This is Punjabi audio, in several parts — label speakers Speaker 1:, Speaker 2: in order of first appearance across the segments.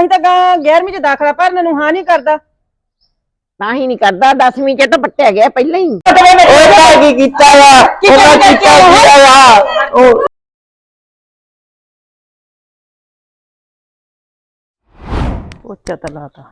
Speaker 1: ਹੀ ਤਾਂ 11ਵੀਂ ਚ ਦਾਖਲਾ ਭਰਨ ਨੂੰ ਹਾਂ ਨਹੀਂ ਕਰਦਾ।
Speaker 2: ਤਾਂ ਹੀ ਨਹੀਂ ਕਰਦਾ 10ਵੀਂ ਚ ਤਾਂ ਪੱਟਿਆ ਗਿਆ ਪਹਿਲਾਂ ਹੀ।
Speaker 3: ਉਹਦਾ ਕੀ ਕੀਤਾ ਵਾ ਉਹਦਾ ਕੀਤਾ ਵਾ ਉਹ
Speaker 1: ਪੋਚਾ ਤਾਂ ਲਾਤਾ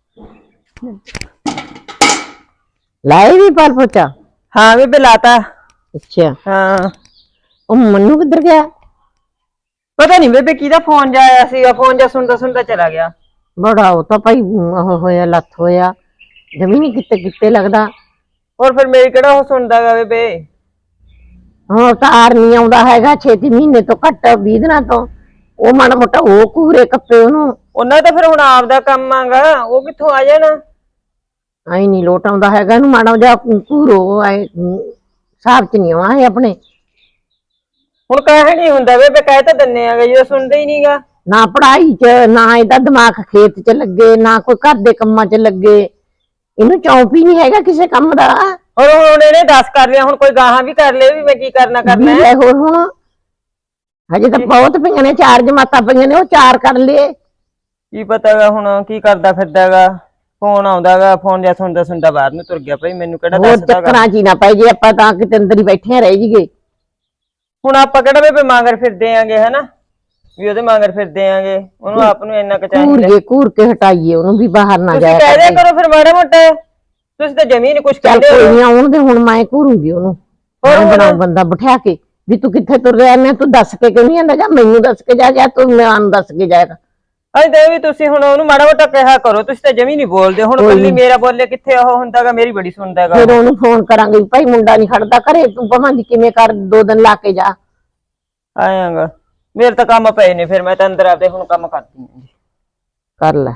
Speaker 2: ਲਾਏ ਵੀ ਪਰ ਪੋਚਾ।
Speaker 1: ਹਾਂ ਬੇਬੇ ਲਾਤਾ।
Speaker 2: ਅੱਛਾ
Speaker 1: ਹਾਂ
Speaker 2: ਉਹ ਮੰਨੂ ਕਿੱਧਰ ਗਿਆ?
Speaker 1: ਪਤਾ ਨਹੀਂ ਬੇਬੇ ਕਿਹਦਾ ਫੋਨ ਜਾਇਆ ਸੀਗਾ, ਫੋਨ ਜਾ ਸੁਣਦਾ ਸੁਣਦਾ ਚਲਾ ਗਿਆ।
Speaker 2: ਬੜਾ ਉਹ ਤਾਂ ਭਾਈ ਉਹ ਹੋਇਆ ਲੱਥ ਹੋਇਆ ਜ਼ਮੀਨ ਕਿਤੇ ਕਿਤੇ ਲੱਗਦਾ।
Speaker 1: ਹੋਰ ਫਿਰ ਮੇਰੀ ਕਿਹੜਾ ਉਹ ਸੁਣਦਾ ਗਾ ਬੇਬੇ।
Speaker 2: ਹੁਣ ਤਾਂ ਆਰ ਨਹੀਂ ਆਉਂਦਾ ਹੈਗਾ 6 ਮਹੀਨੇ ਤੋਂ ਘੱਟ 20 ਦਿਨਾਂ ਤੋਂ। ਉਹ ਮਾੜਾ ਮੋਟਾ ਉਹ ਕੂਰੇ ਕੱਪੇ ਉਹਨੂੰ।
Speaker 1: ਉਹਨਾਂ ਦਾ ਫਿਰ ਹੁਣ ਆਪਦਾ ਕੰਮ ਆਗਾ, ਉਹ ਕਿੱਥੋਂ ਆ ਜਾਣਾ।
Speaker 2: ਆਈ ਨਹੀਂ ਲੋਟ ਆਉਂਦਾ ਹੈਗਾ ਇਹਨੂੰ ਮਾੜਾ ਜਿਹਾ ਕੂਰੋ ਹਿਸਾਬ ਚ ਨਹੀਂ ਆਉਣਾ ਹੈ ਆਪਣੇ।
Speaker 1: ਹੁਣ ਕਹਿ ਨਹੀਂ ਹੁੰਦਾ ਬੇਬੇ, ਕਹਿ ਤਾਂ ਦਿੰਨੇ ਆਗੇ ਜਦੋਂ ਸੁਣਦਾ ਹੀ ਨਹੀਂਗਾ।
Speaker 2: ਨਾ ਪੜ੍ਹਾਈ ਚ ਨਾ ਇਹਦਾ ਦਿਮਾਗ ਖੇਤ ਚ ਲੱਗੇ ਨਾ ਕੋਈ ਘਰ ਦੇ ਕੰਮਾਂ ਚ ਲੱਗੇ। ਇਹਨੂੰ ਚੌਂਕ ਹੀ ਨਹੀਂ ਹੈਗਾ ਕਿਸੇ ਕੰਮ ਦਾ।
Speaker 1: ਹੁਣ ਇਹਨੇ 10 ਕਰ ਲਿਆ, ਹੁਣ ਕੋਈ ਗਾਹਾਂ ਵੀ ਕਰ ਲੇ ਵੀ ਮੈਂ ਕੀ ਕਰਨਾ
Speaker 2: ਹੋਰ ਹੁਣ ਹਜੇ ਤਾਂ ਬਹੁਤ ਪਈਆਂ ਨੇ 4 ਜਮਾਤਾਂ ਪਈਆਂ ਨੇ ਉਹ 4 ਕਰ ਲਏ।
Speaker 1: ਕੀ ਪਤਾਗਾ ਹੁਣ ਕੀ ਕਰਦਾ ਫਿਰਦਾਗਾ। ਫੋਨ ਆਉਂਦਾਗਾ, ਫੋਨ ਜਾਂ ਸੁਣਦਾ ਬਾਹਰ ਨੂੰ ਤੁਰ ਗਿਆ। ਭਾਈ ਮੈਨੂੰ ਕਿਹੜਾ ਦੱਸਦਾਗਾ।
Speaker 2: ਚੱਕਰਾਂ ਚ ਹੀ ਨਾ ਪੈ ਜੇ ਆਪਾਂ ਤਾਂ ਕਿਤੇ ਅੰਦਰ ਹੀ ਬੈਠੇ ਰਹਿ ਜੀਏ।
Speaker 1: ਹੁਣ ਆਪਾਂ ਕਿਹੜਾ ਬੇਬੇ ਮਾਂਗਰ ਫਿਰਦੇ ਆਂਗੇ ਹਨਾ ਵੀ ਉਹਦੇ ਮਾਂਗਰ ਫਿਰਦੇ ਆਂਗੇ। ਉਹਨੂੰ ਆਪ ਨੂੰ ਇੰਨਾ ਕੁ ਚਾਹੀਦਾ
Speaker 2: ਘੂਰ ਕੇ ਹਟਾਈਏ ਉਹਨੂੰ ਵੀ ਬਾਹਰ ਨਾ ਜਾਏ।
Speaker 1: ਕਹਿ ਦਿਆ ਕਰੋ ਫਿਰ ਮਾੜਾ ਮੋਟਾ। ਤੁਸੀਂ ਤਾਂ ਜ਼ਮੀਨ ਕੁਛ ਕਹਿੰਦੇ ਹੋ।
Speaker 2: ਕੋਈ ਨਹੀਂ ਆਉਣ ਦੇ ਹੁਣ ਮੈਂ ਘੂਰੂਗੀ ਉਹਨੂੰ। ਬਣਾਉ ਬੰਦਾ ਬਿਠਾ ਕੇ ਵੀ ਤੂੰ ਕਿੱਥੇ ਤੁਰ ਰਿਹਾ ਮੈਂ ਤੂੰ ਦੱਸ ਕੇ ਕਿਉਂ ਨਹੀਂ ਆਂਦਾ? ਜਾਂ ਮੈਨੂੰ ਦੱਸ ਕੇ ਜਾ ਜਾਂ ਤੂੰ ਮੈਨੂੰ ਦੱਸ ਕੇ ਜਾਏਗਾ।
Speaker 1: ਅਜੇ ਤਾਂ ਵੀ ਤੁਸੀਂ ਹੁਣ ਉਹਨੂੰ ਮਾੜਾ ਮੋਟਾ ਕਿਹਾ ਕਰੋ। ਤੁਸੀਂ ਤਾਂ ਜਮੀ ਨਹੀਂ ਬੋਲਦੇ। ਹੁਣ ਕੱਲੀ ਮੇਰਾ ਬੋਲੇ ਕਿੱਥੇ ਉਹ ਹੁੰਦਾਗਾ, ਮੇਰੀ ਬੜੀ ਸੁਣਦਾਗਾ।
Speaker 2: ਫਿਰ ਉਹਨੂੰ ਫੋਨ ਕਰਾਂਗੇ ਭਾਈ ਮੁੰਡਾ ਨਹੀਂ ਖੜਦਾ ਘਰੇ ਤੂੰ ਭਾਵੇਂ ਕਿਵੇਂ ਕਰ 2 ਦਿਨ ਲਾ ਕੇ ਜਾ।
Speaker 1: ਆਇਆਗਾ ਮੇਰੇ ਤਾਂ ਕੰਮ ਪਏ ਨੇ, ਫਿਰ ਮੈਂ ਤਾਂ ਅੰਦਰ ਆਪਦੇ ਹੁਣ ਕੰਮ ਕਰਦੀ ਆਂ।
Speaker 2: ਕਰ ਲੈ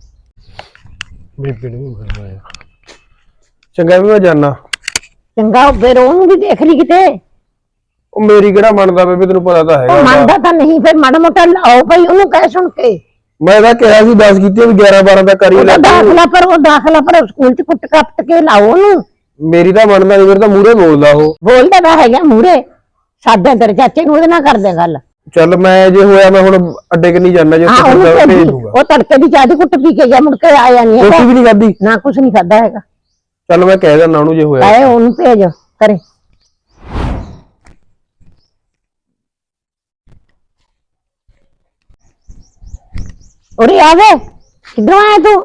Speaker 3: ਬੇਬੇ ਨੂੰ ਕਰਵਾਇਆ ਚੰਗਾ ਵੀ ਮੈਂ ਜਾਣਾ।
Speaker 2: ਚੰਗਾ ਫਿਰ ਉਹਨੂੰ ਵੀ ਦੇਖ ਲਈ ਕਿਤੇ।
Speaker 3: ਉਹ ਮੇਰੀ ਕਿਹੜਾ ਮੰਨਦਾ ਬੇਬੇ, ਤੈਨੂੰ ਪਤਾ ਤਾਂ ਹੈਗਾ।
Speaker 2: ਮੰਨਦਾ ਤਾਂ ਨਹੀਂ ਫਿਰ ਮਾੜਾ ਮੋਟਾ ਲਾਓ ਭਾਈ ਉਹਨੂੰ ਕਹਿ ਸੁਣ ਕੇ।
Speaker 3: ਮੈਂ ਤਾਂ ਕਿਹਾ ਸੀ 10 ਕੀਤੀ ਵੀ 11-12 ਦਾ ਕਰੀ ਲੈ।
Speaker 2: ਦਾਖਲਾ ਪਰ ਸਕੂਲ ਚ ਕੁੱਟ ਕੱਟ ਕੇ ਲਾਓ ਉਹਨੂੰ।
Speaker 3: ਮੇਰੀ ਤਾਂ ਮੰਨਦਾ ਨਹੀਂ, ਮੇਰੇ ਤਾਂ ਮੂਹਰੇ ਬੋਲਦਾ ਉਹ।
Speaker 2: ਬੋਲਦਾ ਤਾਂ ਹੈਗਾ ਮੂਹਰੇ। ਸਾਡਾ ਤੇਰੇ ਚਾਚੇ ਨੂੰ ਉਹਦੇ ਨਾਲ ਕਰਦੇ ਗੱਲ।
Speaker 3: ਚੱਲ ਮੈਂ ਜੇ ਹੋਇਆ ਮੈਂ ਹੁਣ ਅੱਡੇ ਕਿ ਨਹੀਂ ਜਾਣਾ ਜੇ ਭੇਜ ਦੂੰਗਾ।
Speaker 2: ਉਹ ਤੜਕੇ ਦੀ ਚਾਹ ਦੀ ਕੁੱਟ ਪੀ ਕੇ ਗਿਆ ਮੁੜ ਕੇ ਆਇਆ ਨਹੀਂ।
Speaker 3: ਰੋਟੀ ਵੀ ਨਹੀਂ ਖਾਧੀ
Speaker 2: ਨਾ ਕੁਛ ਨਹੀਂ ਖਾਦਾ ਹੈਗਾ।
Speaker 3: ਚੱਲ ਮੈਂ ਕਹਿ ਦਿੰਦਾ ਉਹਨੂੰ ਜੇ ਹੋਇਆ।
Speaker 2: ਆਏ ਉਹਨੂੰ ਭੇਜ ਕਰੇ। ਉਰੇ ਆ ਵੇ ਕਿੱਧਰੋਂ ਆਇਆ ਤੂੰ?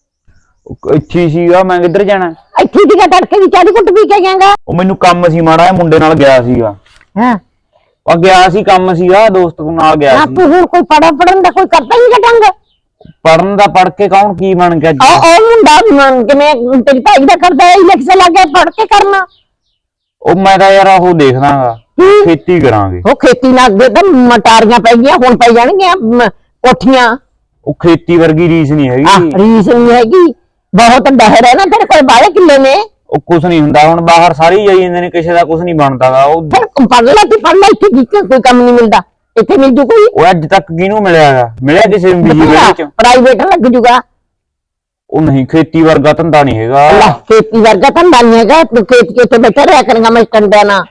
Speaker 4: ਇੱਥੇ ਸੀਗਾ, ਮੈਂ ਕਿੱਧਰ ਜਾਣਾ।
Speaker 2: ਇੱਥੇ ਦੀ ਤੜਕੇ ਦੀ ਚਾਹ ਦੀ ਕੁੱਟ ਪੀ ਕੇ ਗਿਆਗਾ।
Speaker 4: ਉਹ ਮੈਨੂੰ ਕੰਮ ਸੀ ਮਾੜਾ ਜਿਹਾ, ਮੁੰਡੇ ਨਾਲ ਗਿਆ ਸੀਗਾ।
Speaker 2: ਹਾਂ
Speaker 4: ਉਹ ਗਿਆ ਸੀ ਕੰਮ ਸੀਗਾ, ਦੋਸਤ ਨਾਲ ਗਿਆ ਸੀ।
Speaker 2: ਤੂੰ ਹੁਣ ਕੋਈ ਪੜਨ ਦਾ ਕੋਈ ਕਰਦਾ ਹੀ ਨਹੀਂ ਢੰਗ।
Speaker 4: ਪੜਨ ਦਾ ਪੜ ਕੇ ਕੌਣ ਕੀ ਬਣ ਗਿਆ?
Speaker 2: ਉਹ ਮੁੰਡਾ ਕਿਵੇਂ ਤੇਰੀ ਭਾਈ ਦਾ ਕਰਦਾ ਇਲੈਕਸ਼ਨ ਲੱਗ ਗਿਆ ਪੜ ਕੇ ਕਰਨਾ।
Speaker 4: ਉਹ ਮੈਂ ਤਾਂ ਯਾਰ ਉਹ ਦੇਖਦਾਗਾ ਖੇਤੀ ਕਰਾਂਗੇ।
Speaker 2: ਉਹ ਖੇਤੀ ਨਾਲ ਅੱਗੇ ਤਾਂ ਮਟਾਰੀਆਂ ਪੈ ਗਈਆਂ ਹੁਣ ਪੈ ਜਾਣਗੀਆਂ ਕੋਠੀਆਂ।
Speaker 4: ਉਹ ਖੇਤੀ ਵਰਗੀ ਰੀਸ ਨਹੀਂ ਹੈਗੀ।
Speaker 2: ਰੀਸ ਨਹੀਂ ਹੈਗੀ। ਬਹੁਤ ਡਹਿਰ ਹੈ ਨਾ ਤੇਰੇ ਕੋਲ ਬਾਹਲੇ ਕਿੱਲੇ ਨੇ।
Speaker 4: ਉਹ ਕੁਛ ਨਹੀਂ ਹੁੰਦਾ ਹੁਣ, ਬਾਹਰ ਸਾਰੇ ਜਾਈ ਜਾਂਦੇ ਨੇ, ਕਿਸੇ ਦਾ ਕੁਛ ਨਹੀਂ ਬਣਦਾਗਾ। ਉਹ
Speaker 2: ਪੜ ਲੈ ਇੱਥੇ ਕੋਈ ਕੰਮ ਨਹੀਂ ਮਿਲਦਾ। ਇੱਥੇ ਮਿਲ ਜੂ ਕੋਈ?
Speaker 4: ਉਹ ਅੱਜ ਤੱਕ ਕਿਹਨੂੰ ਮਿਲਿਆਗਾ? ਮਿਲਿਆ ਕਿਸੇ ਨੂੰ ਬੀਜੀ ਵਿੱਚ?
Speaker 2: ਪ੍ਰਾਈਵੇਟ ਲੱਗ ਜੂਗਾ।
Speaker 4: ਉਹ ਨਹੀਂ, ਖੇਤੀ ਵਰਗਾ ਧੰਦਾ ਨਹੀਂ ਹੈਗਾ।
Speaker 2: ਖੇਤੀ ਵਰਗਾ ਧੰਦਾ ਨਹੀਂ ਹੈਗਾ। ਤੂੰ ਖੇਤ ਕੇ ਉੱਤੇ ਬੈਠਾ ਰਿਹਾ ਕਰਾਂਗਾ ਮੈਂ ਟੰਡਿਆਂ ਨਾਲ।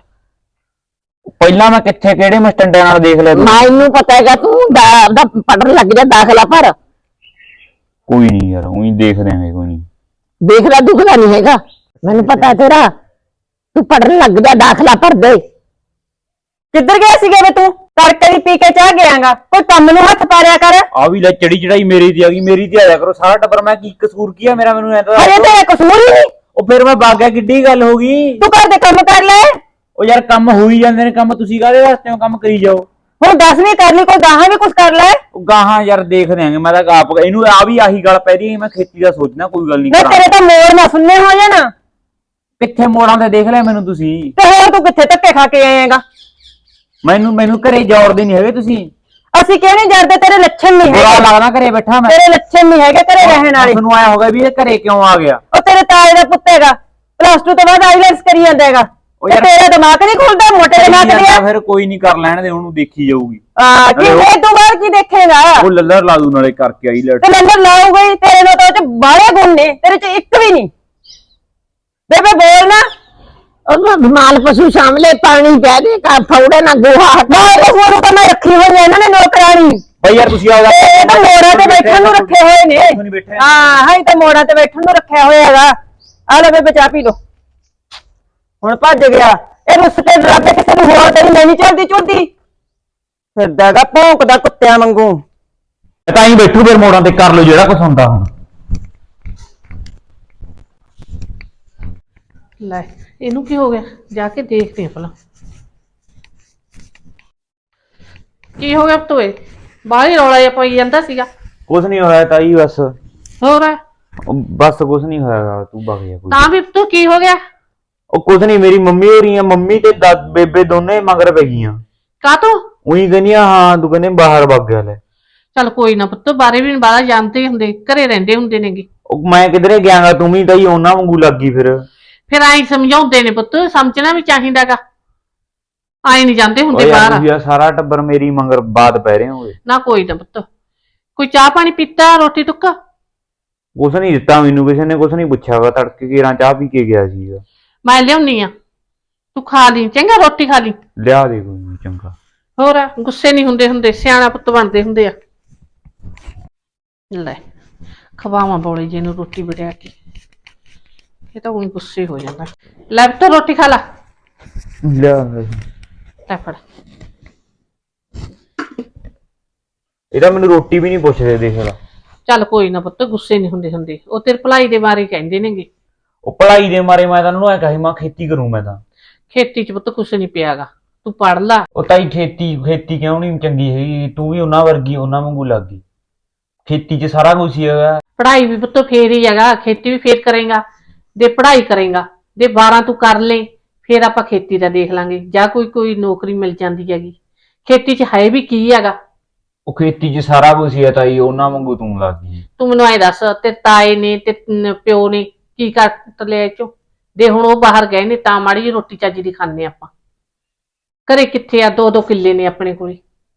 Speaker 4: ਪਹਿਲਾਂ ਮੈਂ ਕਿਹੜੇ ਮਸਟੰਡਿਆਂ ਨਾਲ ਦੇਖ ਲਿਆ?
Speaker 2: ਮੈਨੂੰ ਪਤਾ ਹੈਗਾ ਤੂੰ ਪੜਨ ਲੱਗ ਜਾ ਦਾਖਲਾ ਭਰ।
Speaker 4: ਕੋਈ ਨਹੀਂ ਯਾਰ, ਉਹੀ ਦੇਖ ਰਹੇ ਕੋਈ ਨਹੀਂ।
Speaker 2: ਦੇਖਦਾ ਦੁਖਦਾ ਨਹੀਂ ਹੈਗਾ ਮੈਨੂੰ ਪਤਾ ਤੇਰਾ। ਤੂੰ ਪੜਨ ਲੱਗ ਜਾ ਦਾਖਲਾ ਭਰ ਦੇ।
Speaker 1: ਕਿੱਧਰ ਗਿਆ ਸੀਗਾ ਵੇ ਤੂੰ? ਤੜਕੇ ਦੀ ਪੀ ਕੇ ਚਾਹ ਗਿਆਗਾ। ਕੋਈ ਕੰਮ ਨੂੰ ਹੱਥ ਪਾਰਿਆ ਕਰ।
Speaker 4: ਆ ਵੀ ਲੈ ਚੜੀ ਚੜਾਈ ਮੇਰੀ ਦੀ ਆ ਗਈ, ਮੇਰੀ ਤੇ ਆਇਆ ਕਰੋ ਸਾਰਾ ਟੱਬਰ। ਮੈਂ ਕੀ ਕਸੂਰ ਕੀਆ ਮੇਰਾ? ਮੈਨੂੰ ਐ ਤਾਂ
Speaker 1: ਅਰੇ ਤੇਰਾ ਕਸੂਰ ਹੀ ਨਹੀਂ।
Speaker 4: ਉਹ ਫਿਰ ਮੈਂ ਬਾਗਿਆ ਕਿੱਡੀ ਗੱਲ ਹੋ ਗਈ?
Speaker 1: ਤੂੰ ਘਰ ਦੇ ਕੰਮ ਕਰ ਲੈ।
Speaker 4: ਉਹ ਯਾਰ ਕੰਮ ਹੋ ਹੀ ਜਾਂਦੇ ਨੇ, ਕੰਮ ਤੁਸੀਂ ਕਾਹਦੇ ਵਾਸਤੇ ਕੰਮ ਕਰੀ ਜਾਓ।
Speaker 1: ਹੁਣ 10ਵੀਂ ਕਰ ਲਈ, ਕੋਈ ਗਾਹਾਂ ਵੀ ਕੁਛ ਕਰ ਲੈ।
Speaker 4: ਉਹ ਗਾਹਾਂ ਯਾਰ ਦੇਖ ਦਿਆਂਗੇ। ਮੈਂ ਤਾਂ ਆਪ ਇਹਨੂੰ ਆ ਵੀ ਆਹੀ ਗੱਲ ਪੈ ਰਹੀ। ਮੈਂ ਖੇਤੀ ਦਾ ਸੋਚਣਾ, ਕੋਈ ਗੱਲ ਨਹੀਂ
Speaker 1: ਮੈਂ ਤੇਰੇ ਤਾਂ ਮੋੜ ਨਾ ਸੁਣਨੇ ਹੋ ਜਾਣਾ।
Speaker 4: ਕਿੱਥੇ ਮੋੜਾਂ ਤੇ ਦੇਖ ਲਿਆ ਮੈਨੂੰ ਤੁਸੀਂ?
Speaker 1: ਤੇ ਹੋਰ ਤੂੰ ਕਿੱਥੇ ਧੱਕੇ ਖਾ ਕੇ ਆਏਗਾ?
Speaker 4: ਮੈਨੂੰ ਘਰੇ ਜੋੜਦੇ ਨਹੀਂ ਹੈਗੇ ਤੁਸੀਂ।
Speaker 1: ਅਸੀਂ ਕਿਹਨੇ ਜਰਦੇ? ਤੇਰੇ ਲੱਛਣ ਨਹੀਂ
Speaker 4: ਬੁਰਾ
Speaker 1: ਹੈਗੇ।
Speaker 4: ਲੱਗਦਾ ਘਰੇ ਬੈਠਾ ਮੈਂ।
Speaker 1: ਤੇਰੇ ਲੱਛਣ ਨਹੀਂ ਹੈਗੇ ਘਰੇ ਰਹਿਣ ਵਾਲੇ।
Speaker 4: ਮੈਨੂੰ ਆਇਆ ਹੋਗਾ ਵੀ ਇਹ ਘਰੇ ਕਿਉਂ ਆ ਗਿਆ।
Speaker 1: ਉਹ ਤੇਰੇ ਤਾਏ ਦਾ ਪੁੱਤ ਹੈਗਾ, +2 ਤੋਂ ਬਾਅਦ ਆਈਲੈਟਸ ਕਰੀ ਜਾਂਦਾ ਹੈਗਾ। ਤੇਰਾ ਦਿਮਾਗ ਨਹੀਂ ਖੁੱਲਦਾ? ਮੋਟੇ ਦਿਮਾਗ ਦੇ
Speaker 4: ਫਿਰ ਕੋਈ ਨਹੀਂ, ਕਰ ਲੈਣ ਦੇ ਉਹਨੂੰ, ਦੇਖੀ ਜਾਊਗੀ।
Speaker 1: ਇਹ ਤੋਂ ਬਾਅਦ ਕੀ ਦੇਖੇਗਾ?
Speaker 4: ਉਹ ਲੱਲਰ ਲਾ ਦੂ ਨਾਲੇ ਕਰਕੇ ਆਈ ਲੈਟ।
Speaker 1: ਤੇ ਨੰਬਰ ਲਾਊਗਾ ਹੀ। ਤੇਰੇ ਨਾਲ ਤਾਂ ਉਹ ਚ ਬਾਹਲੇ ਗੁਣ ਨੇ, ਤੇਰੇ ਚ ਇੱਕ ਵੀ ਨਹੀਂ। ਬੇਬੇ ਬੋਲ ਨਾ।
Speaker 2: ਉਹ ਮਾਲ ਪਸ਼ੂ ਸਾਹਮਣੇ ਪਾਣੀ ਪੈ ਦੇ ਫੌੜੇ ਨਾ ਗੋਹਾ
Speaker 1: ਨਾ ਉਹ ਤਾਂ ਮੈਂ ਰੱਖੀ ਹੋਈ ਹੈ ਇਹਨਾਂ ਨੇ ਨੌਕਰਾਣੀ।
Speaker 4: ਬਈ ਯਾਰ ਤੁਸੀਂ ਆਓ
Speaker 1: ਇਹ ਤਾਂ ਮੋੜਾਂ ਤੇ ਬੈਠਣ ਨੂੰ ਰੱਖੇ ਹੋਏ ਨੇ
Speaker 4: ਨਹੀਂ ਬੈਠੇ
Speaker 1: ਹਾਂ ਹਾਂ ਇਹ ਤਾਂ ਮੋੜਾਂ ਤੇ ਬੈਠਣ ਨੂੰ ਰੱਖਿਆ ਹੋਇਆ ਹੈਗਾ ਆ ਲੈ ਬੇਬੇ ਚਾਹ ਪੀ ਲੋ ਹੁਣ ਭੱਜ ਗਿਆ ਇਹ ਰੁੱਸ ਕੇ ਡਰਾਵੇ ਕਿਸੇ ਨੂੰ ਹੋਰ ਤੇਰੀ ਨਹੀਂ ਚੜਦੀ ਚੁੜਦੀ ਫਿਰਦਾਗਾ ਭੌਂਕਦਾ ਕੁੱਤਿਆਂ ਵਾਂਗੂ
Speaker 4: ਤਾਂ ਹੀ ਬੈਠੂ ਫਿਰ ਮੋੜਾਂ ਤੇ ਕਰ ਲਓ ਜਿਹੜਾ ਕੁਛ ਹੁੰਦਾ ਹੁਣ
Speaker 5: ਲੈ ਇਹਨੂੰ ਕੀ ਹੋ ਗਿਆ ਜਾ ਕੇ ਦੇਖਦੇ ਆ ਭਲਾ ਕੀ ਹੋ ਗਿਆ ਤੋਏ ਬਾਹਰ ਹੀ ਰੌਲਾ ਜਿਹਾ ਪਈ ਜਾਂਦਾ ਸੀਗਾ
Speaker 4: ਕੁਛ ਨਹੀਂ ਹੋਇਆ ਤਾਈ ਬਸ
Speaker 5: ਹੋਰ
Speaker 4: ਬਸ ਕੁਛ ਨਹੀਂ ਹੋਇਆ ਤੂੰ ਵਗ ਜਾ ਕੋਈ
Speaker 5: ਤਾਂ ਵੀ ਤੂੰ ਕੀ ਹੋ ਗਿਆ
Speaker 4: ਉਹ ਕੁਛ ਨਹੀਂ ਮੇਰੀ ਮੰਮੀ ਹੋ ਰਹੀ ਆ ਮੰਮੀ ਤੇ ਬੇਬੇ ਦੋਨੇ ਮਗਰ ਪੈ ਗਈਆਂ
Speaker 5: ਕਾ ਤੂੰ
Speaker 4: ਉਹੀ ਕਹਿੰਦੀਆਂ ਹਾਂ ਤੂੰ ਕਹਿੰਦੇ ਬਾਹਰ ਵਗ ਗਿਆ ਲੈ
Speaker 5: ਚੱਲ ਕੋਈ ਨਾ ਪੁੱਤ ਬਾਰੇ ਵੀ ਬਾਹਰ ਜਾਂਦੇ ਹੁੰਦੇ ਘਰੇ ਰਹਿੰਦੇ ਹੁੰਦੇ ਨੇਗੇ
Speaker 4: ਉਹ ਮੈਂ ਕਿਧਰੇ ਗਿਆਗਾ ਤੂੰ ਵੀ ਤਾਈ ਉਹਨਾਂ ਵਾਂਗੂ ਲੱਗੀ
Speaker 5: ਫਿਰ ਆਈ ਸਮਝਾਉਂਦੇ ਨੇ ਪੁੱਤ ਸਮਝਣਾ ਵੀ ਚਾਹੀਦਾਗਾ ਆਈ ਨਹੀਂ ਜਾਂਦੇ ਹੁੰਦੇ
Speaker 4: ਓਏ
Speaker 5: ਬਾਹਰ
Speaker 4: ਯਾਰ ਤੁਸੀਂ ਸਾਰਾ ਟੱਬਰ ਮੇਰੀ ਮਗਰ ਬਾਤ ਪੈ ਰਹੇ ਹੋਗੇ
Speaker 5: ਨਾ ਕੋਈ ਨਾ ਪੁੱਤ ਕੋਈ ਚਾਹ ਪਾਣੀ ਪੀਤਾ ਰੋਟੀ ਟੁੱਕਾ
Speaker 4: ਕੁਛ ਨਹੀਂ ਦਿੱਤਾ ਮੈਨੂੰ ਕਿਸੇ ਨੇ ਕੁਛ ਨਹੀਂ ਪੁੱਛਿਆ ਵਾ ਤੜਕੇ ਘੇਰਾਂ ਚਾਹ ਪੀ ਕੇ ਗਿਆ ਸੀਗਾ
Speaker 5: ਮੈਂ ਲਿਆਉਣੀ ਆ ਤੂੰ ਖਾ ਲਈ ਚੰਗਾ ਰੋਟੀ ਖਾ ਲਈ
Speaker 4: ਲਿਆ ਦੇ ਕੋਈ ਨੀ, ਚੰਗਾ
Speaker 5: ਹੋਰ ਗੁੱਸੇ ਨਹੀਂ ਹੁੰਦੇ ਸਿਆਣਾ ਪੁੱਤ ਬਣਦੇ ਹੁੰਦੇ ਆ ਲੈ ਖਵਾਵਾਂ ਬੋਲੇ ਜੀ ਨੂੰ ਰੋਟੀ ਬੜਿਆ ਕੇ ਇਹ ਤਾਂ ਉਹੀ ਗੁੱਸੇ ਹੋ ਜਾਂਦਾ ਲੈ ਪੁੱਤ ਰੋਟੀ ਖਾ ਲਾ
Speaker 4: ਲਿਆ
Speaker 5: ਲੈ ਫੜ
Speaker 4: ਇਹਦਾ ਮੈਨੂੰ ਰੋਟੀ ਵੀ ਨਹੀਂ ਪੁੱਛਦੇ ਦੇਖ ਲਾ
Speaker 5: ਚੱਲ ਕੋਈ ਨਾ ਪੁੱਤ ਗੁੱਸੇ ਨਹੀਂ ਹੁੰਦੇ ਉਹ ਤੇਰੇ ਭਲਾਈ ਦੇ ਬਾਰੇ ਕਹਿੰਦੇ ਨੇਗੇ
Speaker 4: ਉਹ ਪੜ੍ਹਾਈ ਦੇ ਮਾਰੇ ਮੈਂ ਤਾਂ ਉਹਨੂੰ ਐ ਕਹੀ ਮੈਂ ਖੇਤੀ ਕਰੂੰ ਮੈਂ ਤਾਂ
Speaker 5: ਖੇਤੀ 'ਚ ਪੁੱਤ ਕੁਛ ਨਹੀਂ ਪਿਆਗਾ ਤੂੰ ਪੜ ਲਾ
Speaker 4: ਉਹ ਤਾਈ ਖੇਤੀ ਕਿਉਂ ਨਹੀਂ ਚੰਗੀ ਹੈਗੀ ਤੂੰ ਵੀ ਉਹਨਾਂ ਵਰਗੀ ਉਹਨਾਂ ਵਾਂਗੂ ਲੱਗ ਗਈ ਖੇਤੀ 'ਚ ਸਾਰਾ ਕੁਝ ਹੀ ਹੈਗਾ
Speaker 5: ਪੜ੍ਹਾਈ ਵੀ ਪੁੱਤ ਫੇਰ ਹੀ ਹੈਗਾ ਖੇਤੀ ਵੀ ਫੇਰ ਕਰੇਗਾ ਦੇ ਪੜ੍ਹਾਈ ਕਰੇਗਾ ਦੇ 12 ਤੂੰ ਕਰ ਲੈ ਫੇਰ ਆਪਾਂ ਖੇਤੀ ਦਾ ਦੇਖ ਲਾਂਗੇ ਜਾਂ ਕੋਈ ਨੌਕਰੀ ਮਿਲ ਜਾਂਦੀ ਹੈਗੀ ਖੇਤੀ 'ਚ ਹੈ ਵੀ ਕੀ ਹੈਗਾ
Speaker 4: ਉਹ ਖੇਤੀ 'ਚ ਸਾਰਾ ਕੁਝ ਹੀ ਹੈ ਤਾਈ ਉਹਨਾਂ ਵਾਂਗੂ ਤੂੰ ਲੱਗ ਗਈ
Speaker 5: ਤੂੰ ਮੈਨੂੰ ਐ ਦੱਸ ਤੇ ਤਾਏ ਨੇ ਤੇ ਪਿਓ ਨੇ ਕੀ ਕਰ ਲਿਆ ਚੋ ਦੇ ਹੁਣ ਉਹ ਬਾਹਰ ਗਏ ਨੇ ਤਾਂ ਮਾੜੀ ਜਿਹੀ ਰੋਟੀ ਚੱਜ ਦੀ ਖਾਂਦੇ ਆਪਾਂ ਘਰੇ ਕਿੱਥੇ ਆ 2-2 ਕਿੱਲੇ ਨੇ ਆਪਣੇ ਕੋਲੇ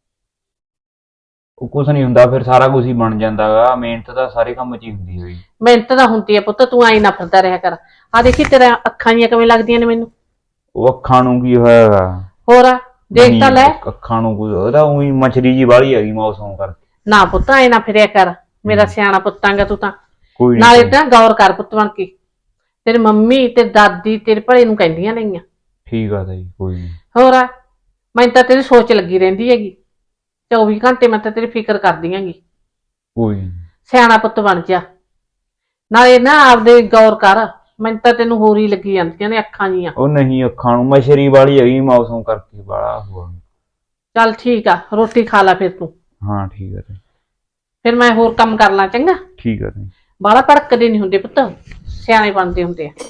Speaker 4: ਉਹ ਕੁਝ ਨਹੀਂ ਹੁੰਦਾ ਫਿਰ ਸਾਰਾ ਕੁਝ ਹੀ ਬਣ ਜਾਂਦਾਗਾ ਮਿਹਨਤ ਤਾਂ ਸਾਰੇ ਕੰਮ 'ਚ ਹੀ ਹੁੰਦੀ ਹੋਈ
Speaker 5: ਮਿਹਨਤ ਤਾਂ ਹੁੰਦੀ ਆ ਪੁੱਤ ਤੂੰ ਐ ਨਾ ਫਿਰਦਾ ਰਿਹਾ ਕਰ ਆ ਦੇਖੀ ਤੇਰਾ ਅੱਖਾਂ ਜੀਆਂ ਕਿਵੇਂ ਲੱਗਦੀਆਂ ਨੇ ਮੈਨੂੰ
Speaker 4: ਉਹ ਅੱਖਾਂ ਨੂੰ ਕੀ ਹੋਇਆ
Speaker 5: ਹੋਰ ਆ ਦੇਖ ਤਾਂ ਲੈ
Speaker 4: ਅੱਖਾਂ ਨੂੰ ਕੋਈ ਉਹਦਾ ਉਹੀ ਮਛਲੀ ਜੀ ਵਾਲੀ ਹੈਗੀ ਮੌਸਮ ਕਰਕੇ
Speaker 5: ਨਾ ਪੁੱਤ ਐ ਨਾ ਫਿਰਿਆ ਕਰ ਮੇਰਾ ਸਿਆਣਾ ਪੁੱਤਾਂਗਾ ਤੂੰ ਤਾਂ
Speaker 4: ਕੋਈ
Speaker 5: ਨਾਲੇ ਤਾਂ ਗੌਰ ਕਰ ਪੁੱਤ ਬਣ ਕੇ ਤੇਰੀ ਮੰਮੀ ਤੇ ਦਾਦੀ ਤੇਰੇ ਭਲੇ ਨੂੰ ਕਹਿੰਦੀਆਂ ਨੇਗੀਆਂ
Speaker 4: ਠੀਕ ਆ ਤਾਈ ਕੋਈ ਨਹੀਂ
Speaker 5: ਹੋਰ ਆ ਮੈਨੂੰ ਤਾਂ ਤੇਰੀ ਸੋਚ ਲੱਗੀ ਰਹਿੰਦੀ ਹੈਗੀ 24 ਘੰਟੇ ਮੈਂ ਤਾਂ ਤੇਰੀ ਫਿਕਰ ਕਰਦੀ ਹੈਗੀ
Speaker 4: ਕੋਈ ਨੀ।
Speaker 5: ਸਿਆਣਾ ਪੁੱਤ ਬਣ ਜਾ ਨਾਲੇ ਨਾ ਆਪਦੇ ਗੌਰ ਕਰ ਮੈਨੂੰ ਤਾਂ ਤੈਨੂੰ ਹੋਰ ਹੀ ਲੱਗੀ ਜਾਂਦੀਆਂ ਨੇ ਅੱਖਾਂ ਜੀਆਂ
Speaker 4: ਉਹ ਨਹੀਂ ਅੱਖਾਂ ਨੂੰ ਮਛਰੀ ਵਾਲੀ ਹੈਗੀ ਮੌਸਮ ਕਰਕੇ ਬਾਲਾ ਹੋਆ
Speaker 5: ਚੱਲ ਠੀਕ ਆ ਰੋਟੀ ਖਾ ਲੈ ਫਿਰ ਤੂੰ
Speaker 4: ਹਾਂ ਠੀਕ ਆ ਤਾਈ
Speaker 5: ਫਿਰ ਮੈਂ ਹੋਰ ਕੰਮ ਕਰ ਲਾਂ ਚੰਗਾ
Speaker 4: ਠੀਕ ਆ ਤਾਈ
Speaker 5: ਬਾਹਲਾ ਭੜਕਦੇ ਨਹੀਂ ਹੁੰਦੇ ਪੁੱਤ ਸਿਆਣੇ ਬਣਦੇ ਹੁੰਦੇ ਆ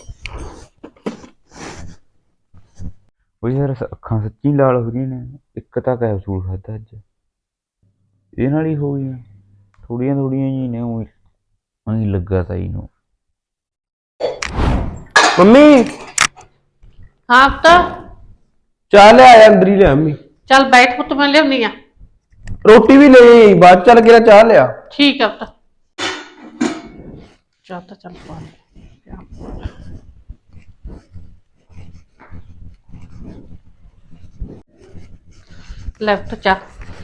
Speaker 4: ਉਹ ਯਾਰ ਅੱਖਾਂ ਸੱਚੀ ਲਾਲ ਹੋ ਰਹੀਆਂ ਨੇ ਇੱਕ ਤਾਂ ਕੈਪਸੂਲ ਖਾਧਾ ਅੱਜ ਇਹ ਨਾਲ ਹੀ ਹੋ ਗਈਆਂ ਥੋੜੀਆਂ ਜੀ ਨੇ ਉਹੀ ਲੱਗਾ ਤਾਈ ਨੂੰ
Speaker 3: ਮੰਮੀ
Speaker 5: ਹਾਂ ਪੁੱਤ
Speaker 3: ਚਾਹ ਲੈ ਆਇਆ ਅੰਦਰ ਹੀ ਲਿਆ ਮੰਮੀ
Speaker 5: ਚੱਲ ਬੈਠ ਪੁੱਤ ਮੈਂ ਲਿਆਉਣੀ ਆ
Speaker 3: ਰੋਟੀ ਵੀ ਲੈ ਆਈ ਬਾਅਦ ਚੱਲ ਕੇ ਚਾਹ ਲਿਆ
Speaker 5: ਠੀਕ ਆ ਪੁੱਤ ਚਾਹ ਤਾਂ ਚੱਲ ਪਾ ਲੈ ਪੁੱਤ ਚਾਹ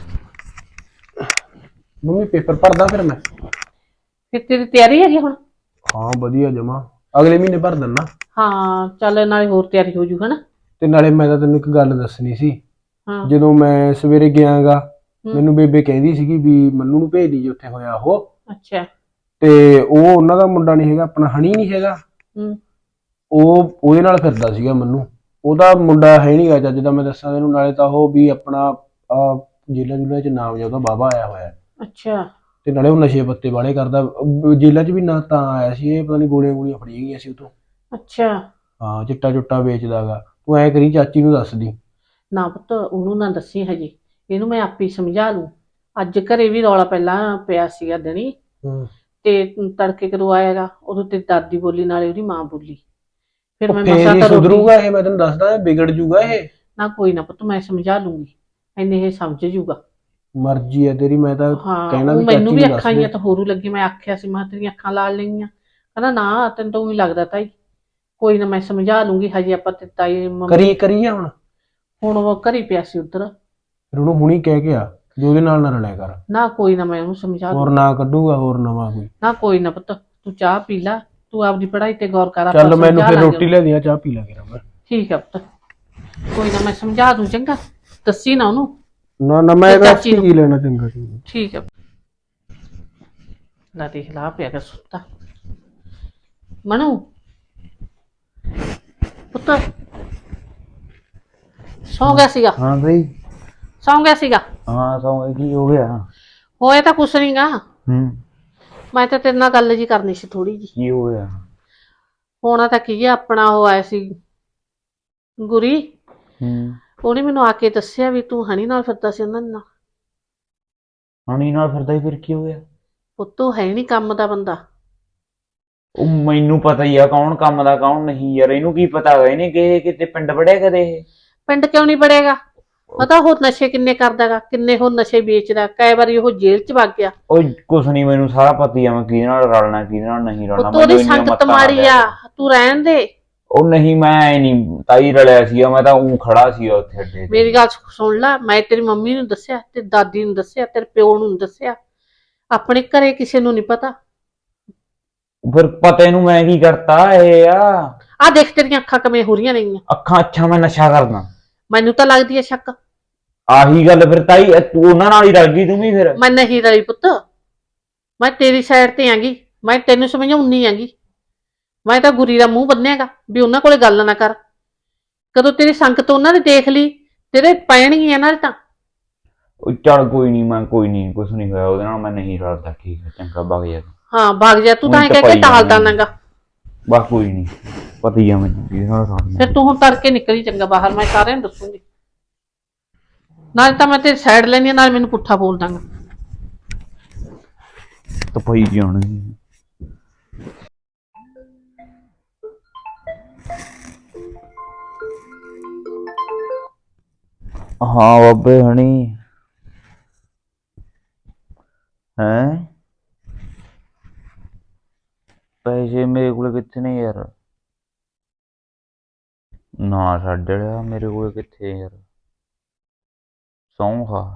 Speaker 3: ਮੰਮੀ ਪੇਪਰ ਭਰਦਾ ਫਿਰ ਮੈਂ
Speaker 5: ਫਿਰ ਤੇਰੀ ਤਿਆਰੀ ਹੈਗੀ ਹੁਣ
Speaker 3: ਹਾਂ ਵਧੀਆ ਜਮਾ ਅਗਲੇ ਮਹੀਨੇ ਭਰ ਦਿੰਨਾ
Speaker 5: ਹਾਂ ਚੱਲ ਨਾਲੇ ਹੋਰ ਤਿਆਰੀ ਹੋ ਜੂ ਹਨਾ
Speaker 3: ਤੇ ਨਾਲੇ ਮੈਂ ਤਾਂ ਤੈਨੂੰ ਇੱਕ ਗੱਲ ਦੱਸਣੀ ਸੀ
Speaker 5: ਹਾਂ
Speaker 3: ਜਦੋਂ ਮੈਂ ਸਵੇਰੇ ਗਿਆਗਾ ਮੈਨੂੰ ਬੇਬੇ ਕਹਿੰਦੀ ਸੀਗੀ ਵੀ ਮੰਨੂ ਨੂੰ ਭੇਜ ਦੀ ਜੇ ਉੱਥੇ ਹੋਇਆ ਉਹ
Speaker 5: ਅੱਛਾ
Speaker 3: ਤੇ ਉਹ ਉਹਨਾਂ ਦਾ ਮੁੰਡਾ ਨਹੀਂ ਹੈਗਾ ਆਪਣਾ ਹਣੀ ਨਹੀਂ ਹੈਗਾ ਉਹ ਉਹਦੇ ਨਾਲ ਫਿਰਦਾ ਸੀਗਾ ਮੰਨੂ ਉਹਦਾ ਮੁੰਡਾ ਹੈ ਨਹੀਂਗਾ ਜੱਜ ਦਾ ਮੈਂ ਦੱਸਾਂ ਤੈਨੂੰ ਨਾਲੇ ਤਾਂ ਉਹ ਵੀ ਆਪਣਾ ਜੇਲਾਂ ਜੁਲਾਂ 'ਚ ਨਾਮ ਜਾਂ ਉਹਦਾ ਬਾਬਾ ਆਇਆ ਹੋਇਆ
Speaker 5: ਅੱਛਾ
Speaker 3: ਤੇ ਨਾਲੇ ਉਹ ਨਸ਼ੇ ਪੱਤੇ ਵਾਲੇ ਕਰਦਾ ਜੇਲਾਂ 'ਚ ਵੀ ਨਾ ਤਾਂ ਆਇਆ ਸੀ ਇਹ ਪਤਾ ਨਹੀਂ ਗੋਲੀਆਂ ਫੜੀਆਂ ਗਈਆਂ ਸੀ ਉਹ ਤੋਂ
Speaker 5: ਅੱਛਾ
Speaker 3: ਹਾਂ ਚਿੱਟਾ ਚੁੱਟਾ ਵੇਚਦਾਗਾ ਤੂੰ ਐ ਕਰੀ ਚਾਚੀ ਨੂੰ ਦੱਸਦੀ
Speaker 5: ਨਾ ਪੁੱਤ ਉਹਨੂੰ ਨਾ ਦੱਸੀ ਹਜੇ ਇਹਨੂੰ ਮੈਂ ਆਪੇ ਸਮਝਾ ਲੂੰ ਅੱਜ ਘਰੇ ਵੀ ਰੌਲਾ ਪਹਿਲਾਂ ਪਿਆ ਸੀਗਾ ਦਿਨੀ ਤੇ ਤੜਕੇ ਕਦੋਂ ਆਏਗਾ ਉਦੋਂ ਤੇ ਦਾਦੀ ਬੋਲੀ ਨਾਲੇ ਉਹਦੀ ਮਾਂ ਬੋਲੀ ਫਿਰ ਮੈਂ ਮਸਾਂ ਤਾਂ
Speaker 3: ਸੁਧਰੂਗਾ ਇਹ ਮੈਂ ਤੈਨੂੰ ਦੱਸਦਾ ਵਿਗੜ ਜੂਗਾ ਇਹ
Speaker 5: ਨਾ ਕੋਈ ਨਾ ਪੁੱਤ ਮੈਂ ਸਮਝਾ ਲੂੰਗੀ ਐਨੇ ਇਹ ਸਮਝ ਜੂਗਾ
Speaker 3: ਮਰਜ਼ੀ ਹੈ ਤੇਰੀ ਮੈਂ ਤਾਂ ਕਹਿਣਾ ਵੀ
Speaker 5: ਮੈਨੂੰ ਵੀ
Speaker 3: ਚਾਚੀ ਨੂੰ
Speaker 5: ਅੱਖਾਂ
Speaker 3: ਦੱਸ
Speaker 5: ਹੀ ਤਾਂ ਹੋਰੂ ਲੱਗੀ ਮੈਂ ਆਖਿਆ ਸੀ ਮੈਂ ਤੇਰੀਆਂ ਅੱਖਾਂ ਲਾਲ ਲਈਆਂ ਕਹਿੰਦਾ ਨਾ ਤੈਨੂੰ ਤਾਂ ਉਹੀ ਲੱਗਦਾ ਤਾਈ ਕੋਈ ਨਾ ਮੈਂ ਸਮਝਾ ਲੂੰਗੀ ਹਜੇ ਆਪਾਂ ਤੇ ਤਾਈ
Speaker 3: ਕਰੀ ਆ ਹੁਣ
Speaker 5: ਹੁਣ ਉਹ ਘਰੀ ਪਿਆ ਸੀ ਉਧਰ
Speaker 3: ਫਿਰ ਉਹਨੂੰ ਹੁਣੀ ਕਹਿ ਕੇ ਆ ਵੀ ਉਹਦੇ ਨਾਲ ਨਾ ਰਲਿਆ ਕਰ।
Speaker 5: ਨਾ ਕੋਈ ਨਾ, ਮੈਂ ਉਹਨੂੰ ਸਮਝਾ ਦੂੰ।
Speaker 3: ਹੋਰ ਨਾ ਕੱਢੂਗਾ ਹੋਰ ਨਵਾਂ ਕੋਈ।
Speaker 5: ਨਾ ਕੋਈ ਨਾ ਪੁੱਤ, ਤੂੰ ਚਾਹ ਪੀ ਲੈ, ਤੂੰ ਆਪਦੀ ਪੜ੍ਹਾਈ ਤੇ ਗੌਰ ਕਰ।
Speaker 3: ਚੱਲ
Speaker 5: ਆਪਾਂ
Speaker 3: ਮੈਨੂੰ
Speaker 5: ਸਮਝਾ
Speaker 3: ਫਿਰ
Speaker 5: ਲਾਂਗੇ
Speaker 3: ਰੋਟੀ ਲੈ ਦਿਆ, ਚਾਹ ਪੀ ਲਾ ਕੇ ਮੈਂ।
Speaker 5: ਠੀਕ ਆ ਪੁੱਤ, ਕੋਈ ਨਾ ਮੈਂ ਸਮਝਾ ਦੂੰ, ਚੰਗਾ। ਦੱਸੀ ਨਾ ਉਹਨੂੰ।
Speaker 3: ਨਾ ਨਾ ਮੈਂ
Speaker 5: ਤੇ
Speaker 3: ਇਹਦਾ
Speaker 5: ਚਾਚੀ ਨੂੰ।
Speaker 3: ਕੀ ਲੈਣਾ, ਚੰਗਾ ਚੰਗਾ।
Speaker 5: ਠੀਕ ਆ। ਲਾ ਦੇਖ ਲਾ ਪਿਆ ਕਰ ਸੁੱਤਾ। ਮਨੂ ਪੁੱਤ ਸੌਂ ਗਿਆ ਸੀਗਾ,
Speaker 4: ਹਾਂ ਬਈ।
Speaker 5: ਸੌਂ ਗਿਆ ਸੀਗਾ।
Speaker 4: ਹਾਂ ਸੌਂ ਕੀ ਹੋ ਗਿਆ?
Speaker 5: ਹੋਇਆ ਤਾਂ ਕੁਛ ਨੀ ਗਾ।
Speaker 4: ਹੂੰ।
Speaker 5: ਮੈਂ ਤਾਂ ਤੇਰੇ ਨਾਲ ਗੱਲ ਜੀ ਕਰਨੀ ਸੀ ਥੋੜੀ ਜੀ।
Speaker 4: ਕੀ ਹੋ ਗਿਆ?
Speaker 5: ਹੋਣਾ ਤਾਂ ਕੀ ਆ, ਆਪਣਾ ਉਹ ਆਇਆ ਸੀ ਗੁਰੀ,
Speaker 4: ਹੂੰ।
Speaker 5: ਉਹਨੇ ਮੈਨੂੰ ਆ ਕੇ ਦੱਸਿਆ ਵੀ ਤੂੰ ਹਣੀ ਨਾਲ ਫਿਰਦਾ ਸੀ ਉਹਨਾਂ ਨਾਲ।
Speaker 4: ਹਣੀ ਨਾਲ ਫਿਰਦਾ ਹੀ, ਫਿਰ ਕੀ ਹੋ ਗਿਆ?
Speaker 5: ਪੁੱਤ ਉਹ ਹੈ ਨੀ ਕੰਮ ਦਾ ਬੰਦਾ।
Speaker 4: ਉਹ ਮੈਨੂੰ ਪਤਾ ਹੀ ਆ ਕੌਣ ਕੰਮ ਦਾ ਕੌਣ ਨਹੀਂ ਯਾਰ, ਇਹਨੂੰ ਕੀ ਪਤਾ ਹੈਗਾ ਇਹਨੇ ਕਿਤੇ ਪਿੰਡ ਵੜਿਆ ਕਦੇ ਇਹ?
Speaker 5: ਪਿੰਡ ਕਿਉਂ ਨਹੀਂ ਬੜੇਗਾ? ਪਤਾ ਉਹ ਨਸ਼ੇ ਕਿੰਨੇ ਕਰਦਾਗਾ, ਕਿੰਨੇ ਉਹ ਨਸ਼ੇ ਵੇਚਦਾ, ਕਈ ਵਾਰੀ ਉਹ ਜੇਲ੍ਹ ਚ ਵਗ ਗਿਆ।
Speaker 4: ਉਹ ਕੁਛ ਨਹੀਂ, ਮੈਨੂੰ ਸਾਰਾ ਪਤਾ ਹੀ ਆ ਮੈਂ ਕਿਹਦੇ ਨਾਲ ਰਲਣਾ ਕਿਹਦੇ ਨਾਲ ਨਹੀਂ ਰਲਣਾ।
Speaker 5: ਪੁੱਤ ਉਹਦੀ ਸੰਗਤ ਮਾੜੀ ਆ, ਤੂੰ ਰਹਿਣ ਦੇ।
Speaker 4: ਉਹ ਨਹੀਂ, ਮੈਂ ਨਹੀਂ ਤਾਈ ਰਲਿਆ ਸੀਗਾ, ਮੈਂ ਤਾਂ ਉਹ ਖੜਾ ਸੀਗਾ ਉੱਥੇ ਅੱਡੇ ਤੇ।
Speaker 5: ਮੇਰੀ ਗੱਲ ਸੁਣ ਲੈ, ਮੈਂ ਤੇਰੀ ਮੰਮੀ ਨੂੰ ਦੱਸਿਆ, ਤੇ ਦਾਦੀ ਨੂੰ ਦੱਸਿਆ, ਤੇਰੇ ਪਿਓ ਨੂੰ ਦੱਸਿਆ, ਆਪਣੇ ਘਰੇ ਕਿਸੇ ਨੂੰ ਨਹੀਂ ਪਤਾ।
Speaker 4: ਫਿਰ ਪਤਾ ਇਹਨੂੰ ਮੈਂ ਕੀ ਕਰਤਾ ਇਹ
Speaker 5: ਆ ਦੇਖ ਤੇਰੀਆਂ ਅੱਖਾਂ ਕਿਵੇਂ ਹੋ ਰਹੀਆਂ ਨੇਗੀਆਂ।
Speaker 4: ਅੱਖਾਂ ਅੱਛਾ ਮੈਂ ਨਸ਼ਾ ਕਰਦਾ?
Speaker 5: ਮੈਨੂੰ ਤਾਂ ਲੱਗਦੀ ਹੈ ਸ਼ੱਕ।
Speaker 4: ਆਹੀ ਗੱਲ ਫਿਰ ਤਾਈ, ਤੂੰ ਉਹਨਾਂ ਨਾਲ ਹੀ ਰਲ ਗਈ ਤੂੰ ਵੀ ਫਿਰ।
Speaker 5: ਮੈਂ ਨਹੀਂ ਰਲੀ ਪੁੱਤ, ਮੈਂ ਤੇਰੀ ਸਾਈਡ ਤੇ ਆਂਗੀ, ਮੈਂ ਤੈਨੂੰ ਸਮਝਾਉਣੀ ਆਂਗੀ। ਮੈਂ ਤਾਂ ਗੁਰੀ ਦਾ ਮੂੰਹ ਬੰਨਿਆਗਾ ਵੀ ਉਹਨਾਂ ਕੋਲੇ ਗੱਲ ਨਾ ਕਰ। ਕਦੋਂ ਤੇਰੀ ਸੰਗਤ ਉਹਨਾਂ ਨੇ ਦੇਖ ਲਈ, ਤੇਰੇ ਪੈਣਗੀਆਂ ਨਾਲ ਤਾਂ।
Speaker 4: ਉਹ ਚੱਲ ਕੋਈ ਨਹੀਂ, ਮੈਂ ਕੋਈ ਨਹੀਂ, ਕੁਛ ਨਹੀਂ ਹੋਇਆ ਉਹਦੇ ਨਾਲ, ਮੈਂ ਨਹੀਂ ਰਲਦਾ। ਠੀਕ ਹੈ ਚੰਗਾ, ਵਗ ਜਾ।
Speaker 5: ਹਾਂ ਭਾਗ ਜਾ, ਤੂੰ ਤਾਂ ਐਂ ਕਹਿ ਕੇ ਟਾਲਦਾ ਨਾਗਾ।
Speaker 4: ਬਸ ਕੋਈ ਨਹੀਂ, ਪਤਾ ਹੀ ਆ ਮੈਨੂੰ ਕਿਹਦੇ ਨਾਲ ਰਲਣਾ।
Speaker 5: ਫਿਰ ਤੂੰ ਹੁਣ ਤੜਕੇ ਨਿਕਲੀ ਚੰਗਾ ਬਾਹਰ, ਮੈਂ ਸਾਰਿਆਂ ਨੂੰ ਦੱਸੂਗੀ। ਨਾਲ ਤਾਂ ਮੈਂ ਤੇਰੀ ਸਾਈਡ ਲੈਣੀ, ਨਾਲ ਮੈਨੂੰ ਪੁੱਠਾ ਬੋਲ ਦਾਂਗਾ।
Speaker 4: ਤਾਂ ਪਈ ਜਾਣੀ। ਹਾਂ ਬਾਬੇ ਹਣੀ ਹੈ? ਪੈਸੇ ਮੇਰੇ ਕੋਲ ਕਿੱਥੇ ਨੇ ਯਾਰ? ਨਾ ਛੱਡ ਲਿਆ, ਮੇਰੇ ਕੋਲ ਕਿੱਥੇ ਯਾਰ, ਸੌਂ ਖਾ।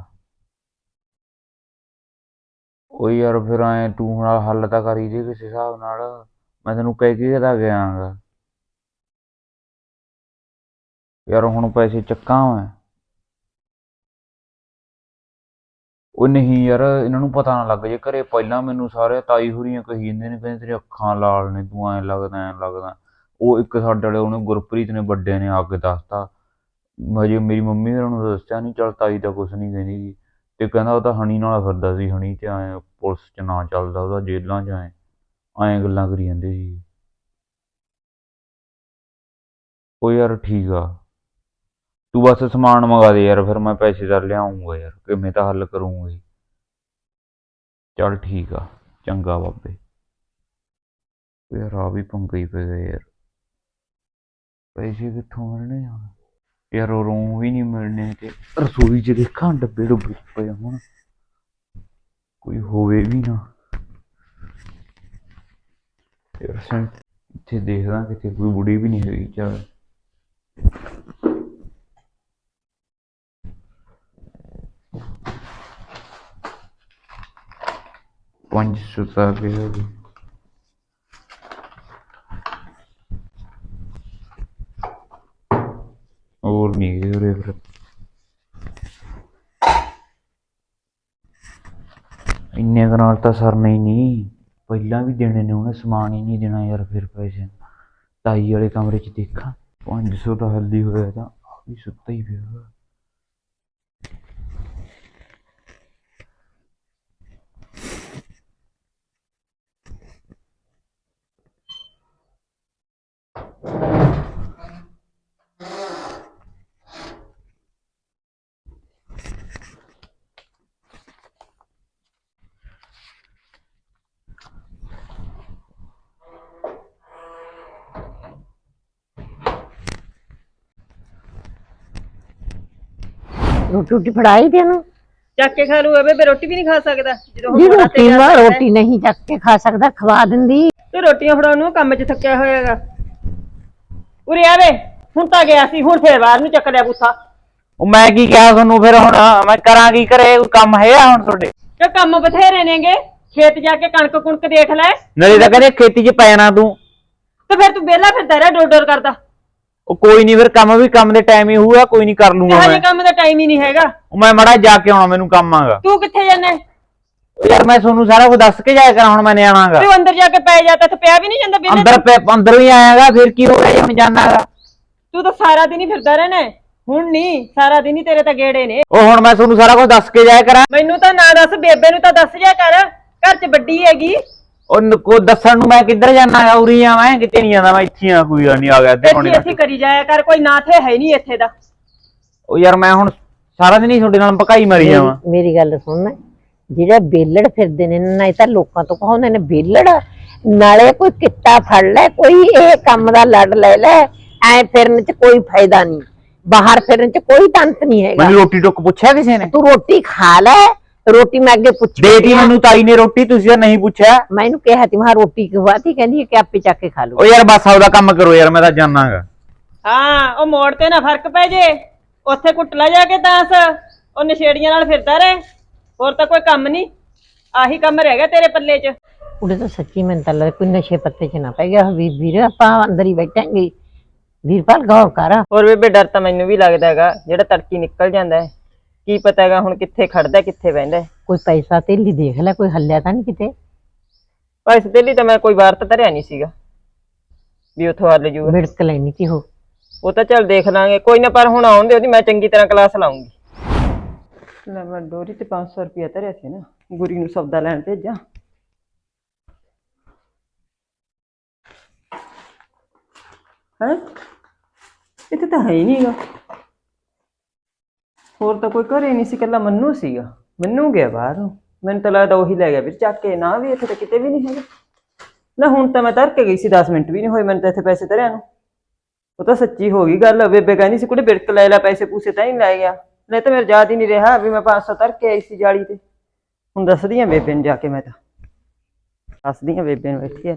Speaker 4: ਉਹ ਯਾਰ ਫਿਰ ਐ ਤੂੰ ਹੁਣ ਹੱਲ ਤਾਂ ਕਰੀ ਦੇ ਕਿਸੇ ਹਿਸਾਬ ਨਾਲ, ਮੈਂ ਤੈਨੂੰ ਕਹਿ ਕੇ ਤਾਂ ਗਿਆਗਾ ਯਾਰ। ਹੁਣ ਪੈਸੇ ਚੱਕਾਂ ਮੈਂ। ਉਹ ਨਹੀਂ ਯਾਰ, ਇਹਨਾਂ ਨੂੰ ਪਤਾ ਨਾ ਲੱਗ ਜੇ ਘਰੇ। ਪਹਿਲਾਂ ਮੈਨੂੰ ਸਾਰੇ ਤਾਈ ਹੁਰੀਆਂ ਕਹੀ ਜਾਂਦੇ ਨੇ, ਕਹਿੰਦੇ ਤੇਰੀ ਅੱਖਾਂ ਲਾਲ ਨੇ, ਤੂੰ ਐਂ ਲੱਗਦਾ ਐਂ ਲੱਗਦਾ। ਉਹ ਇੱਕ ਸਾਡੇ ਵਾਲੇ ਉਹਨੇ ਗੁਰਪ੍ਰੀਤ ਨੇ ਵੱਡੇ ਨੇ ਆ ਕੇ ਦੱਸਤਾ। ਹਜੇ ਮੇਰੀ ਮੰਮੀ ਹੋਰਾਂ ਨੂੰ ਦੱਸਿਆ ਨਹੀਂ। ਚੱਲ ਤਾਈ ਤਾਂ ਕੁਛ ਨਹੀਂ ਕਹਿੰਦੀ ਗੀ, ਤੇ ਕਹਿੰਦਾ ਉਹ ਤਾਂ ਹਣੀ ਨਾਲ ਫਿਰਦਾ ਸੀ, ਹਣੀ ਤੇ ਐਂ ਪੁਲਿਸ 'ਚ ਨਾ ਚੱਲਦਾ ਉਹਦਾ, ਜੇਲ੍ਹਾਂ 'ਚ ਐਂ ਗੱਲਾਂ ਕਰੀ ਜਾਂਦੇ ਸੀ। ਉਹ ਯਾਰ ਠੀਕ ਆ, ਤੂੰ ਬਸ ਸਮਾਨ ਮੰਗਾ ਦੇ ਯਾਰ, ਫਿਰ ਮੈਂ ਪੈਸੇ ਤਾਂ ਲਿਆਉਂਗਾ ਯਾਰ, ਕਿਵੇਂ ਤਾਂ ਹੱਲ ਕਰੂੰਗਾ। ਚੱਲ ਠੀਕ ਆ ਚੰਗਾ ਬਾਬੇ। ਯਾਰ ਆ ਵੀ ਪੰਗਾ ਹੀ ਪੈ ਗਿਆ ਯਾਰ, ਪੈਸੇ ਕਿੱਥੋਂ ਮਿਲਣੇ ਯਾਰ? ਉਹ ਰੂਮ ਵੀ ਨਹੀਂ ਮਿਲਣੇ, ਤੇ ਰਸੋਈ 'ਚ ਦੇਖਾਂ ਡੱਬੇ ਡੁੱਬੇ ਪਏ ਹੁਣ, ਕੋਈ ਹੋਵੇ ਵੀ ਨਾ ਯਾਰ। ਇੱਥੇ ਦੇਖਦਾ ਕਿਤੇ ਕੋਈ ਬੁੜੀ ਵੀ ਨਹੀਂ ਹੈਗੀ। ਚੱਲ ਪੰਜ ਸੁਤਾ ਕੇ ਹੋਰ ਨਹੀਂ ਗਏ ਉਰੇ ਫਿਰ। ਇੰਨੇ ਕੁ ਨਾਲ ਤਾਂ ਸਰਨਾ ਹੀ ਨਹੀਂ, ਪਹਿਲਾਂ ਵੀ ਦੇਣੇ ਨੇ ਉਹਨੇ, ਸਮਾਨ ਹੀ ਨਹੀਂ ਦੇਣਾ ਯਾਰ। ਫਿਰ ਪੈਸੇ ਤਾਈ ਵਾਲੇ ਕਮਰੇ 'ਚ ਦੇਖਾਂ, 500 ਤਾਂ ਹੱਲੀ ਹੋਇਆ, ਤਾਂ ਵੀ ਸੁੱਤਾ ਹੀ ਪਿਆ।
Speaker 2: ਰੋਟੀ ਫੜਾਈ ਤੈਨੂੰ?
Speaker 1: ਚੱਕ ਕੇ ਖਾ ਲੂ ਬੇਬੇ, ਰੋਟੀ ਵੀ ਨਹੀਂ ਖਾ ਸਕਦਾ ਜਦੋਂ
Speaker 2: ਜੀ
Speaker 1: ਹੁਣ
Speaker 2: ਰੋਟੀ
Speaker 1: ਤੇ
Speaker 2: ਨਾ, ਰੋਟੀ ਨਹੀਂ ਚੱਕ ਕੇ ਖਾ ਸਕਦਾ, ਖਵਾ ਦਿੰਦੀ।
Speaker 1: ਤੇ ਰੋਟੀਆਂ ਫੜਾਉਣ ਨੂੰ ਕੰਮ 'ਚ ਥੱਕਿਆ ਹੋਇਆਗਾ। ਉਰੇ ਆਵੇ, ਹੁਣ ਤਾਂ ਗਿਆ ਸੀ, ਹੁਣ ਫੇਰ ਬਾਹਰ ਨੂੰ ਚੱਕ ਲਿਆ ਬੂਥਾ।
Speaker 4: ਉਹ ਮੈਂ ਕੀ ਕਿਹਾ ਤੁਹਾਨੂੰ ਫਿਰ ਹੁਣ ਮੈਂ ਕਰਾਂ ਕੀ ਕਰੇ ਕੋਈ ਕੰਮ ਹੈਗਾ ਹੁਣ ਤੁਹਾਡੇ
Speaker 1: ਤੇ ਕੰਮ ਬਥੇਰੇ ਨੇਗੇ ਖੇਤ ਜਾ ਕੇ ਕਣਕ ਕੁਣਕ ਦੇਖ ਲੈ
Speaker 4: ਨਾਲੇ ਤਾਂ ਕਹਿੰਦੇ ਖੇਤੀ 'ਚ ਪੈ ਜਾਣਾ ਤੂੰ
Speaker 1: ਤੇ ਫਿਰ ਤੂੰ ਵਿਹਲਾ ਫਿਰਦਾ ਰਿਹਾ ਡੋਰ ਡੋਰ ਕਰਦਾ
Speaker 4: ਉਹ ਕੋਈ ਨਹੀਂ ਫਿਰ ਕੰਮ ਵੀ ਕੰਮ ਦੇ ਟਾਈਮ ਹੀ ਹੋਊਗਾ ਕੋਈ ਨਹੀਂ ਕਰ ਲੂੰਗਾ
Speaker 1: ਹਜੇ
Speaker 4: ਮੈਂ
Speaker 1: ਕੰਮ ਦਾ ਟਾਈਮ ਹੀ ਨਹੀਂ ਹੈਗਾ
Speaker 4: ਉਹ ਮੈਂ ਮੜਾ ਜਾ ਕੇ ਆਉਣਾ ਮੈਨੂੰ ਕੰਮ ਆਗਾ
Speaker 1: ਤੂੰ ਕਿੱਥੇ ਜਾਣਾ
Speaker 4: ਯਾਰ ਮੈਂ ਤੁਹਾਨੂੰ ਸਾਰਾ ਕੁਝ ਦੱਸ ਕੇ ਜਾਇਆ ਕਰਾਂ ਹੁਣ ਮੈਂ ਨਿਆਣਾਗਾ
Speaker 1: ਤੂੰ ਅੰਦਰ ਜਾ ਕੇ ਪੈ ਜਾ ਤੇ ਪਿਆ ਵੀ ਨਹੀਂ ਜਾਂਦਾ ਵਿਹਲੇ
Speaker 4: ਅੰਦਰ ਵੀ ਆਇਆਗਾ ਫਿਰ ਕੀ ਹੋ ਗਿਆ ਜੇ ਮੈਂ ਜਾਣਾਗਾ
Speaker 1: ਤੂੰ ਤਾਂ ਸਾਰਾ ਦਿਨ ਹੀ ਫਿਰਦਾ ਰਹਿਣਾ ਹੁਣ ਨਹੀਂ ਸਾਰਾ ਦਿਨ ਹੀ ਤੇਰੇ ਤਾਂ ਗੇੜੇ ਨੇ
Speaker 4: ਉਹ ਹੁਣ ਮੈਂ ਤੁਹਾਨੂੰ ਸਾਰਾ ਕੁਝ ਦੱਸ ਕੇ ਜਾਇਆ ਕਰਾਂ
Speaker 1: ਮੈਨੂੰ ਤਾਂ ਨਾ ਦੱਸ ਬੇਬੇ ਨੂੰ ਤਾਂ ਦੱਸ ਜਾ ਕਰ ਘਰ 'ਚ ਵੱਡੀ ਹੈਗੀ
Speaker 4: ਉਹ ਕੋ ਦੱਸਣ ਨੂੰ ਮੈਂ ਕਿੱਧਰ ਜਾਣਾਗਾ ਉਰੀ ਆ ਮੈਂ ਕਿਤੇ ਨਹੀਂ ਜਾਂਦਾ ਮੈਂ ਇੱਥੇ ਆ ਕੋਈ ਨਹੀਂ ਆ ਗਿਆ ਤੇ
Speaker 1: ਇੱਥੇ ਕਰੀ ਜਾਇਆ ਕਰ ਕੋਈ ਨਾ ਥੇ ਹੈ ਨਹੀਂ ਇੱਥੇ ਦਾ
Speaker 4: ਉਹ ਯਾਰ ਮੈਂ ਹੁਣ ਸਾਰਾ ਦਿਨ ਹੀ ਤੁਹਾਡੇ ਨਾਲ ਭਕਾਈ ਮਾਰੀ ਜਾਵਾਂ
Speaker 2: ਮੇਰੀ ਗੱਲ ਸੁਣ ਜਿਹੜੇ ਬੇਲੜ ਫਿਰਦੇ ਨੇ ਨਾ ਇਹ ਤਾਂ ਲੋਕਾਂ ਤੋਂ ਕਹਾਉਂਦੇ ਨੇ ਬੇਲੜ ਨਾਲੇ ਕੋਈ ਕਿੱਤਾ ਫੜ ਲੈ ਕੋਈ ਇਹ ਕੰਮ ਦਾ ਲੜ ਲੈ ਲੈ ਐ ਫਿਰਨ ਚ ਕੋਈ ਫਾਇਦਾ ਨਹੀਂ ਬਾਹਰ ਫਿਰਨ ਚ ਕੋਈ ਤੰਤ ਨਹੀਂ ਹੈਗਾ
Speaker 4: ਮੈਨੂੰ ਰੋਟੀ ਟੁੱਕ ਪੁੱਛਿਆ ਕਿਸੇ ਨੇ
Speaker 2: ਤੂੰ ਰੋਟੀ ਖਾ ਲੈ ਰੋਟੀ ਮੈਂ ਅੱਗੇ ਪੁੱਛ
Speaker 4: ਦੇਤੀ ਮੈਨੂੰ ਤਾਈ ਨੇ ਰੋਟੀ ਤੁਸੀਂ ਤਾਂ ਨਹੀਂ ਪੁੱਛਿਆ
Speaker 2: ਮੈਂ ਇਹਨੂੰ ਕਿਹਾ ਤੀ ਮੈਂ ਰੋਟੀ ਖਵਾਤੀ ਕਹਿੰਦੀ ਹੈ ਕਿ ਆਪੇ ਚੱਕ ਕੇ ਖਾ ਲਓ
Speaker 4: ਉਹ ਯਾਰ ਬਸ ਆਪਦਾ ਕੰਮ ਕਰੋ ਯਾਰ ਮੈਂ ਤਾਂ ਜਾਣਾਗਾ
Speaker 1: ਹਾਂ ਉਹ ਮੋੜ ਤੇ ਨਾ ਫਰਕ ਪੈ ਜੇ ਉੱਥੇ ਕੁੱਟ ਲੈ ਜਾ ਕੇ ਤਾਂਸ ਉਹ ਨਸ਼ੇੜੀਆਂ ਨਾਲ ਫਿਰਦਾ ਰਹੇ ਹੋਰ ਤਾਂ ਕੋਈ ਕੰਮ ਨਹੀਂ ਆਹੀ ਕੰਮ ਰਹਿ ਗਿਆ ਤੇਰੇ ਪੱਲੇ 'ਚ
Speaker 2: ਉਹਦੇ ਤਾਂ ਸੱਚੀ ਮੈਨੂੰ ਤਾਂ ਲੱਗਦਾ ਕੋਈ ਨਸ਼ੇ ਪੱਤੇ 'ਚ ਨਾ ਪੈ ਗਿਆ ਵੀਰ ਆਪਾਂ ਅੰਦਰ ਹੀ ਬੈਠਾਂਗੇ ਵੀਰਪਾਲ ਗੌਰ ਕਰ
Speaker 1: ਹੋਰ ਬੇਬੇ ਡਰ ਤਾਂ ਮੈਨੂੰ ਵੀ ਲੱਗਦਾ ਹੈਗਾ ਜਿਹੜਾ ਤੜਕੀ ਨਿਕਲ ਜਾਂਦਾ ਹੈ ਕੀ ਪਤਾ ਹੈਗਾ ਹੁਣ ਕਿੱਥੇ ਖੜਦਾ ਕਿੱਥੇ ਬਹਿੰਦਾ
Speaker 2: ਕੋਈ ਪੈਸਾ ਤੇਲੀ ਦੇਖ ਲੈ ਕੋਈ ਹੱਲਿਆ ਤਾਂ ਨਹੀਂ ਕਿਤੇ
Speaker 1: ਪੈਸੇ ਦੇ ਲਈ ਤਾਂ ਮੈਂ ਕੋਈ ਵਾਰ ਤਾਂ ਧਰਿਆ ਨਹੀਂ ਸੀਗਾ ਵੀ ਉੱਥੋਂ ਹੱਲ ਜੂਗਾ
Speaker 2: ਵਿੜਕ ਲੈਣੀ ਸੀ
Speaker 1: ਉਹ ਤਾਂ ਚੱਲ ਦੇਖ ਲਾਂਗੇ ਕੋਈ ਨਾ ਪਰ ਹੁਣ ਆਉਣ ਦੇ ਉਹਦੀ ਮੈਂ ਚੰਗੀ ਤਰ੍ਹਾਂ ਕਲਾਸ ਲਾਉਂਗੀ ਲੈ ਮੈਂ ਡੋਰੀ ਤੇ 500 ਰੁਪਇਆ ਧਰਿਆ ਸੀ ਨਾ ਗੁਰੀ ਨੂੰ ਸੌਦਾ ਲੈਣ ਭੇਜਾਂ ਹੈ ਇੱਥੇ ਤਾਂ ਹੈ ਹੀ ਨਹੀਂਗਾ ਹੋਰ ਤਾਂ ਕੋਈ ਘਰੇ ਨਹੀਂ ਸੀ ਇਕੱਲਾ ਮੰਨੂ ਸੀਗਾ ਮੰਨੂ ਗਿਆ ਬਾਹਰ ਨੂੰ ਮੈਨੂੰ ਤਾਂ ਲੱਗਦਾ ਉਹੀ ਲੈ ਗਿਆ ਫਿਰ ਚੱਕ ਕੇ ਨਾ ਵੀ ਇੱਥੇ ਤਾਂ ਕਿਤੇ ਵੀ ਨਹੀਂ ਹੈਗਾ ਨਾ ਹੁਣ ਤਾਂ ਮੈਂ ਧਰ ਕੇ ਗਈ ਸੀ 10 ਮਿੰਟ ਵੀ ਨਹੀਂ ਹੋਏ ਮੈਨੂੰ ਤਾਂ ਇੱਥੇ ਪੈਸੇ ਧਰਿਆ ਨੂੰ ਉਹ ਤਾਂ ਸੱਚੀ ਹੋ ਗਈ ਗੱਲ ਬੇਬੇ ਕਹਿੰਦੀ ਸੀ ਕੁੜੇ ਬਿੜਕ ਲੈ ਲੈ ਪੈਸੇ ਪੂਸੇ ਤਾਂ ਨਹੀਂ ਲੈ ਗਿਆ ਨਹੀਂ ਤਾਂ ਮੇਰੇ ਯਾਦ ਹੀ ਨਹੀਂ ਰਿਹਾ ਵੀ ਮੈਂ 500 ਧਰ ਕੇ ਆਈ ਸੀ ਜਾਲੀ ਤੇ ਹੁਣ ਦੱਸਦੀ ਆ ਬੇਬੇ ਨੂੰ ਜਾ ਕੇ ਮੈਂ ਤਾਂ ਦੱਸਦੀ ਆ ਬੇਬੇ ਨੂੰ ਇੱਥੇ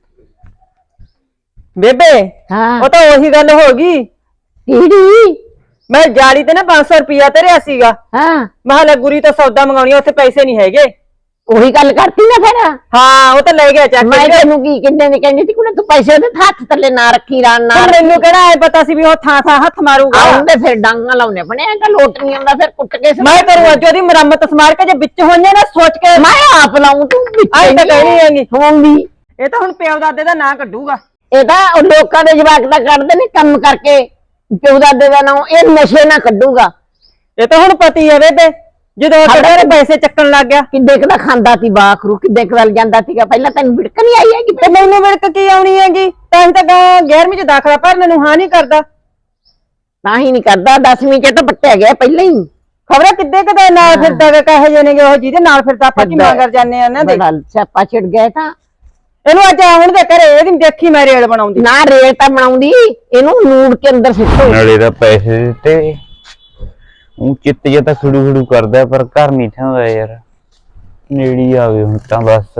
Speaker 1: ਬੇਬੇ
Speaker 2: ਹਾਂ
Speaker 1: ਉਹ ਤਾਂ ਉਹੀ ਗੱਲ ਹੋ ਗਈ
Speaker 2: ਕਿਹੜੀ
Speaker 1: ਮੈਂ ਜਾਲੀ ਤੇ ਨਾ 500 ਰੁਪਇਆ ਧਰਿਆ ਸੀਗਾ
Speaker 2: ਹਾਂ
Speaker 1: ਮੈਂ ਕਿਹਾ ਗੁਰੀ ਤੋਂ ਸੌਦਾ ਮੰਗਾਉਣੀ ਉੱਥੇ ਪੈਸੇ ਨਹੀਂ ਹੈਗੇ
Speaker 2: ਉਹੀ ਗੱਲ ਕਰਤੀ ਨਾ ਫਿਰ
Speaker 1: ਹਾਂ ਉਹ ਤਾਂ ਲੈ ਗਿਆ ਚੱਕ
Speaker 2: ਮੈਂ
Speaker 1: ਕੇ
Speaker 2: ਤੈਨੂੰ ਕੀ ਕਿੰਨੇ ਨੇ ਕਹਿੰਦੀ ਸੀ ਕੁੜੇ ਤੂੰ ਪੈਸੇ ਉਹਦੇ ਹੱਥ ਥੱਲੇ ਨਾ ਰੱਖੀ ਰਾਂ ਨਾ
Speaker 1: ਹੁਣ ਮੈਨੂੰ ਕਿਹੜਾ ਐ ਪਤਾ ਸੀ ਵੀ ਉਹ ਥਾਂ ਥਾਂ ਹੱਥ ਮਾਰੂਗਾ
Speaker 2: ਆਉਂਦੇ ਫਿਰ ਡਾਂਗਾ ਲਾਉਣੇ ਪਣੇ ਇਹ ਤਾਂ ਲੋਟ ਨਹੀਂ ਆਉਂਦਾ ਫਿਰ ਕੁੱਟ ਕੇ
Speaker 1: ਮੈਂ ਕਰੂੰ ਅੱਜ ਉਹਦੀ ਮੁਰੰਮਤ ਸਮਾਰ ਕੇ ਜੇ ਵਿੱਚ ਹੋਈਆਂ ਨਾ ਸੋਚ ਕੇ
Speaker 2: ਮੈਂ ਆਪ ਲਾਉਂ ਤੂੰ
Speaker 1: ਆਈ ਤਾਂ ਕਹਿਣੀ ਹੈਗੀ
Speaker 2: ਹੋਊਂਗੀ
Speaker 1: ਇਹ ਤਾਂ ਹੁਣ ਪਿਓ ਦਾਦੇ ਦਾ ਨਾਂ ਕੱਢੂਗਾ
Speaker 2: ਇਹ ਤਾਂ ਉਹ ਲੋਕਾਂ ਦੇ ਜਵਾਕ ਦਾ ਕੱਢਦੇ ਨੇ ਕੰਮ ਕਰਕੇ ਪਿਓ ਦਾਦੇ ਦਾ ਨਾਂ ਇਹ ਨਸ਼ੇ ਨਾ ਕੱਢੂਗਾ
Speaker 1: ਇਹ ਤਾਂ ਹੁਣ ਪਤੀ ਹੈ ਬੇਬੇ ਜਦੋਂ ਕਿਹੜੇ ਪੈਸੇ ਚੱਕਣ ਲੱਗ ਗਿਆ
Speaker 2: ਕਿੱਡੇ ਕੁ ਦਾ ਖਾਂਦਾ ਸੀ ਬਾਖਰੂ ਕਿੱਡੇ ਕੁ ਵੱਲ ਜਾਂਦਾ ਸੀਗਾ ਪਹਿਲਾਂ ਤੈਨੂੰ ਵਿੜਕ ਨਹੀਂ ਆਈ ਹੈਗੀ
Speaker 1: ਤੇ ਮੈਨੂੰ ਵਿੜਕ ਕੀ ਆਉਣੀ ਹੈਗੀ ਤਾਂ ਹੀ ਤਾਂ 11ਵੀਂ ਚ ਦਾਖਲਾ ਭਰਨ ਨੂੰ ਹਾਂ ਨਹੀਂ ਕਰਦਾ
Speaker 2: ਤਾਂ ਹੀ ਨਹੀਂ ਕਰਦਾ 10ਵੀਂ ਚ ਤਾਂ ਪੱਟਿਆ ਗਿਆ ਪਹਿਲਾਂ ਹੀ
Speaker 1: ਖਬਰਾਂ ਕਿੱਦੇ ਕਦੇ ਨਾਲ ਫਿਰਦਾ ਵੇ ਕਹੇ ਜੇ ਨੇਗੇ ਉਹ ਜਿਹਦੇ ਨਾਲ ਫਿਰਦਾ ਆਪਾਂ ਕੀ ਮੰਗਰ ਜਾਂਦੇ ਆ ਉਹਨਾਂ ਦੇ
Speaker 2: ਬੜਾ ਸਿਆਪਾ ਛਿੜ ਗਿਆ ਤਾਂ
Speaker 1: ਇਹਨੂੰ ਅੱਜ ਹੁਣ ਦੇ ਘਰੇ ਇਹਦੀ ਦੇਖੀ ਮੈਂ ਰੇਲ ਬਣਾਉਂਦੀ
Speaker 2: ਨਾ ਰੇਲ ਤਾਂ ਬਣਾਉਂਦੀ ਇਹਨੂੰ ਨੂੜ ਕੇ ਅੰਦਰ ਸਿੱਟੋ
Speaker 4: ਨਾਲੇ ਦਾ ਪੈਸੇ ਦਿੱਤੇ ਉਹ ਚਿੱਤ ਜਿਹਾ ਤਾਂ ਖੜੂ ਖੜੂ ਕਰਦਾ ਪਰ ਘਰ ਨਹੀਂ ਠਾਉਂਦਾ ਯਾਰ ਨੇੜੀ ਆ ਗਏ ਹੁਣ ਤਾਂ ਬਸ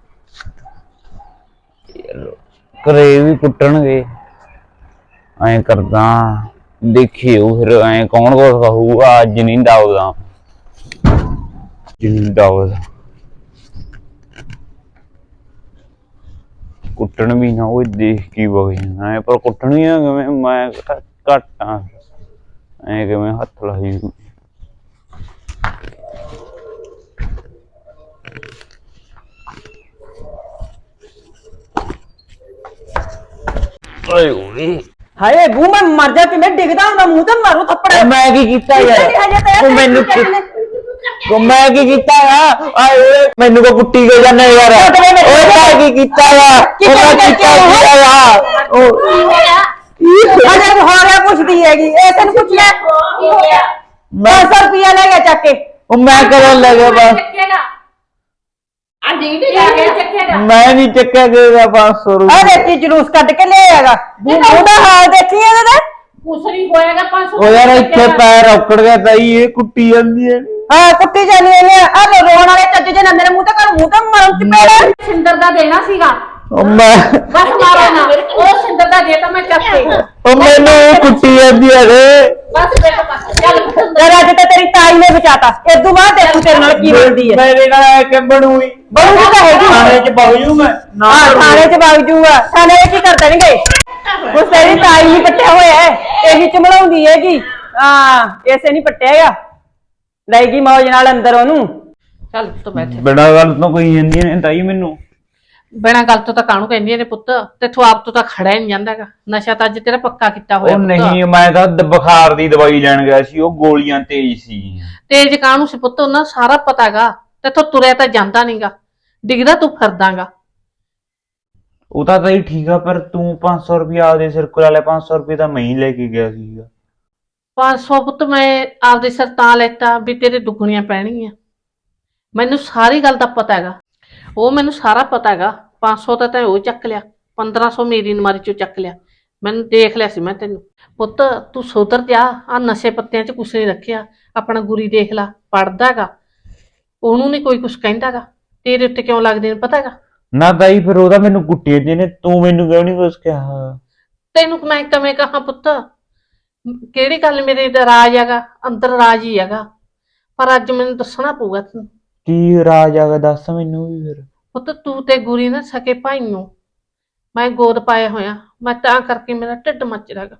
Speaker 4: ਘਰੇ ਵੀ ਕੁੱਟਣਗੇ ਐਂ ਕਰਦਾ ਦੇਖਿਓ ਫਿਰ ਐਂ ਕੌਣ ਕੁਛ ਕਹੂਗਾ ਅੱਜ ਨਹੀਂ ਡਾਉਦਾ ਜਿੰਨ ਡਾਉਦਾ ਕੁੱਟਣ ਵੀ ਨਾ ਉਹ ਦੇਖ ਕੀ ਵਗ ਜਾਣਾ ਪਰ ਕੁੱਟਣੀਆਂ ਕਿਵੇਂ ਮੈਂ ਘੱਟ ਆ ਐ ਕਿਵੇਂ ਹੱਥ ਲਾਈ ਓਏ ਓਏ
Speaker 1: ਹਾਏ ਬੂ ਮੈਂ ਮਰ ਜਾ ਕਿਵੇਂ ਡਿੱਗਦਾ ਹੁੰਦਾ ਮੂੰਹ ਤੇ ਮਾਰੂ ਥੱਪੜ
Speaker 4: ਮੈਂ ਕੀ ਕੀਤਾ ਯਾਰ ਉਹ ਮੈਨੂੰ ਉਹ ਮੈਂ ਕੀ ਕੀਤਾ ਆ ਆਏ ਓਏ ਮੈਨੂੰ ਕੋ ਕੁੱਟੀ ਗਏ ਜਾਂਦੇ ਯਾਰ ਓਏ ਮੈਂ ਕੀ ਕੀਤਾ ਆ ਉਹ ਮੈਂ ਕੀਤਾ ਆ ਉਹ
Speaker 1: ਅਜੇ ਹੋ ਰਿਹਾ ਪੁੱਛਦੀ ਹੈਗੀ ਇਹ ਤੈਨੂੰ ਪੁੱਛ ਲੈ ਕੀ ਹੋਇਆ 500 ਰੁਪਇਆ ਲੈ ਗਿਆ ਚੱਕ ਕੇ
Speaker 4: ਉਹ ਮੈਂ ਕਦੋਂ ਲੱਗਿਆ ਬਸ ਮੈਂ ਨਹੀਂ ਚੱਕਿਆ ਗਿਆ 500
Speaker 1: ਆ
Speaker 4: ਰੁਪਏ
Speaker 1: ਦੇਖੀ ਜਲੂਸ ਕੱਢ ਕੇ ਲਿਆਏਗਾ ਉਹਦਾ ਹਾਲ ਦੇਖੀ ਇਹਦੇ ਦਾ
Speaker 5: ਕੁਛ ਨਹੀਂ ਹੋਏਗਾ 500
Speaker 4: ਉਹ ਯਾਰ ਇੱਥੇ ਪੈਰ ਔਕੜ ਗਿਆ ਤਾਈ ਇਹ ਕੁੱਟੀ ਜਾਂਦੀ ਹੈ
Speaker 1: ਹਾਂ ਕੁੱਟੀ ਜਾਨੀ ਇਹਨੇ ਆ ਰੋਣ ਵਾਲੇ ਚੱਜ ਜੇ ਨਾ ਮੇਰੇ ਮੂੰਹ ਤੇ ਕਰ ਮੂੰਹ ਤੇ ਮਰਨ ਚ ਪੈਣਾ
Speaker 5: ਸਿੰਦਰ ਦਾ ਦੇਣਾ ਸੀਗਾ
Speaker 4: ਉਹ ਮੈਂ
Speaker 5: ਬਸ ਮਾਰੋ ਨਾ ਉਹ ਸਿੰਦਰ ਦਾ ਦੇ ਤਾਂ ਮੈਂ ਚੱਕ ਕੇ
Speaker 4: ਉਹ ਮੈਨੂੰ ਕੁੱਟੀ ਜਾਂਦੀ ਹੈ ਰੇ
Speaker 5: ਬਸ ਬੇਟਾ ਬਸ ਚੱਲ ਪੁੱਤ
Speaker 1: ਯਾਰ ਅੱਜ ਤਾਂ ਤੇਰੀ ਤਾਈ ਨੇ ਬਚਾਤਾ ਇਦੋਂ ਬਾਅਦ ਦੇਖੂ ਤੇਰੇ ਨਾਲ ਕੀ ਬਣਦੀ ਹੈ
Speaker 4: ਮੇਰੇ ਨਾਲ ਕਿ ਬਣੂਈ
Speaker 1: ਬਣੂਗੀ ਤਾਂ ਹੈਗੀ
Speaker 4: ਥਾਣੇ 'ਚ ਵਗ ਜੂ ਮੈਂ ਨਾ
Speaker 1: ਹਾਂ ਥਾਣੇ 'ਚ ਵਗ ਜੂਗਾ ਥਾਣੇ 'ਚ ਕੀ ਕਰ ਦੇਣਗੇ ਉਸ ਤੇਰੀ ਤਾਈ ਨਹੀਂ ਪੱਟਿਆ ਹੋਇਆ ਹੈ ਇਹੀ ਚਮਲਾਉਂਦੀ ਹੈਗੀ ਹਾਂ ਇਸੇ ਨਹੀਂ ਪੱਟਿਆ ਹੈਗਾ ਲੈ ਗਈ ਮੌਜ ਨਾਲ ਅੰਦਰ ਉਹਨੂੰ
Speaker 5: ਚੱਲ ਤੂੰ ਬੈਠ
Speaker 4: ਬੜਾ ਗੱਲ ਤੋਂ ਕੋਈ ਜਾਂਦੀਆਂ ਨੇ ਤਾਈ ਮੈਨੂੰ
Speaker 5: ਬਿਨਾਂ ਗੱਲ ਤੋਂ ਤਾਂ ਕਾਹਨੂੰ ਕਹਿੰਦੀਆਂ ਨੇ ਪੁੱਤ ਤੇਥੋਂ ਆਪ ਤੋਂ ਤਾਂ ਖੜਾ ਹੀ ਨਹੀਂ ਜਾਂਦਾਗਾ ਨਸ਼ਾ ਤਾਂ ਅੱਜ ਤੇਰਾ ਪੱਕਾ ਕੀਤਾ ਹੋਇਆ
Speaker 4: ਉਹ
Speaker 5: ਪੁੱਤ।
Speaker 4: ਨਹੀਂ ਮੈਂ ਤਾਂ ਬੁਖਾਰ ਦੀ ਦਵਾਈ ਲੈਣ ਗਿਆ ਸੀ ਉਹ ਗੋਲੀਆਂ ਤੇਜ਼ ਸੀ
Speaker 5: ਤੇਜ ਕਾਹਨੂੰ ਸੀ ਪੁੱਤ ਉਹਨਾਂ ਨੂੰ ਸਾਰਾ ਪਤਾਗਾ ਤੇਥੋਂ ਤੁਰਿਆ ਤਾਂ ਜਾਂਦਾ ਨਹੀਂਗਾ ਡਿੱਗਦਾ ਤੂੰ ਫਿਰਦਾਗਾ
Speaker 4: ਉਹ ਤਾਂ ਤਾਈ ਠੀਕ ਆ ਪਰ ਤੂੰ 500 ਰੁਪਇਆ ਆਪਦੇ ਸਿਰ ਕੋਲ ਲੈ 500 ਰੁਪਏ ਤਾਂ ਮੈਂ ਹੀ ਲੈ ਕੇ ਗਿਆ ਸੀਗਾ
Speaker 5: 500 ਪੁੱਤ ਮੈਂ ਆਪਦੇ ਸਿਰ ਤਾਂ ਲੈਤਾ ਵੀ ਤੇਰੇ ਦੁੱਗਣੀਆਂ ਪੈਣਗੀਆਂ ਮੈਨੂੰ ਸਾਰੀ ਗੱਲ ਦਾ ਪਤਾ ਹੈਗਾ ਉਹ ਮੈਨੂੰ ਸਾਰਾ ਪਤਾ ਹੈਗਾ 500 ਤਾਂ ਤੈਂ ਉਹ ਚੱਕ ਲਿਆ 1500 ਮੇਰੀ ਨਮਾਰੀ ਚੋਂ ਚੱਕ ਲਿਆ ਮੈਨੂੰ ਦੇਖ ਲਿਆ ਸੀ ਮੈਂ ਤੈਨੂੰ ਪੁੱਤ ਤੂੰ ਸੁਧਰ ਜਾ ਆ ਨਸ਼ੇ ਪੱਤਿਆਂ 'ਚ ਕੁਛ ਨਹੀਂ ਰੱਖਿਆ ਆਪਣਾ ਗੁਰੀ ਦੇਖ ਲਾ ਪੜਦਾ ਹੈਗਾ ਉਹਨੂੰ ਨਹੀਂ ਕੋਈ ਕੁਛ ਕਹਿੰਦਾਗਾ ਤੇਰੇ ਉੱਤੇ ਕਿਉਂ ਲੱਗਦੇ ਨੇ ਪਤਾ ਹੈਗਾ
Speaker 4: ਨਾ ਤਾਈ ਫਿਰ ਉਹਦਾ ਮੈਨੂੰ ਕੁੱਟਿਆ ਜਿਹਨੇ ਤੂੰ ਮੈਨੂੰ ਕਿਉਂ ਨਹੀਂ ਕੁਛ ਕਿਹਾ
Speaker 5: ਤੈਨੂੰ ਮੈਂ ਕਿਵੇਂ ਕਹਾਂ ਪੁੱਤ ਕਿਹੜੀ ਗੱਲ ਮੇਰੇ ਦਾ ਰਾਜ ਹੈਗਾ ਅੰਦਰ ਰਾਜ ਹੀ ਹੈਗਾ ਪਰ ਅੱਜ ਮੈਨੂੰ ਦੱਸਣਾ ਪਊਗਾ ਤੈਨੂੰ
Speaker 4: ਕੀ ਰਾਜ ਆਗਾ ਦੱਸ ਮੈਨੂੰ ਵੀ ਫਿਰ
Speaker 5: ਪੁੱਤ ਤੂੰ ਤੇ ਗੁਰੀ ਨਾ ਸਕੇ ਭਾਈ ਨੂੰ ਮੈਂ ਗੋਦ ਪਾਇਆ ਹੋਇਆ ਮੈਂ ਤਾਂ ਕਰਕੇ ਮੇਰਾ ਢਿੱਡ ਮੱਚ ਰਿਹਾਗਾ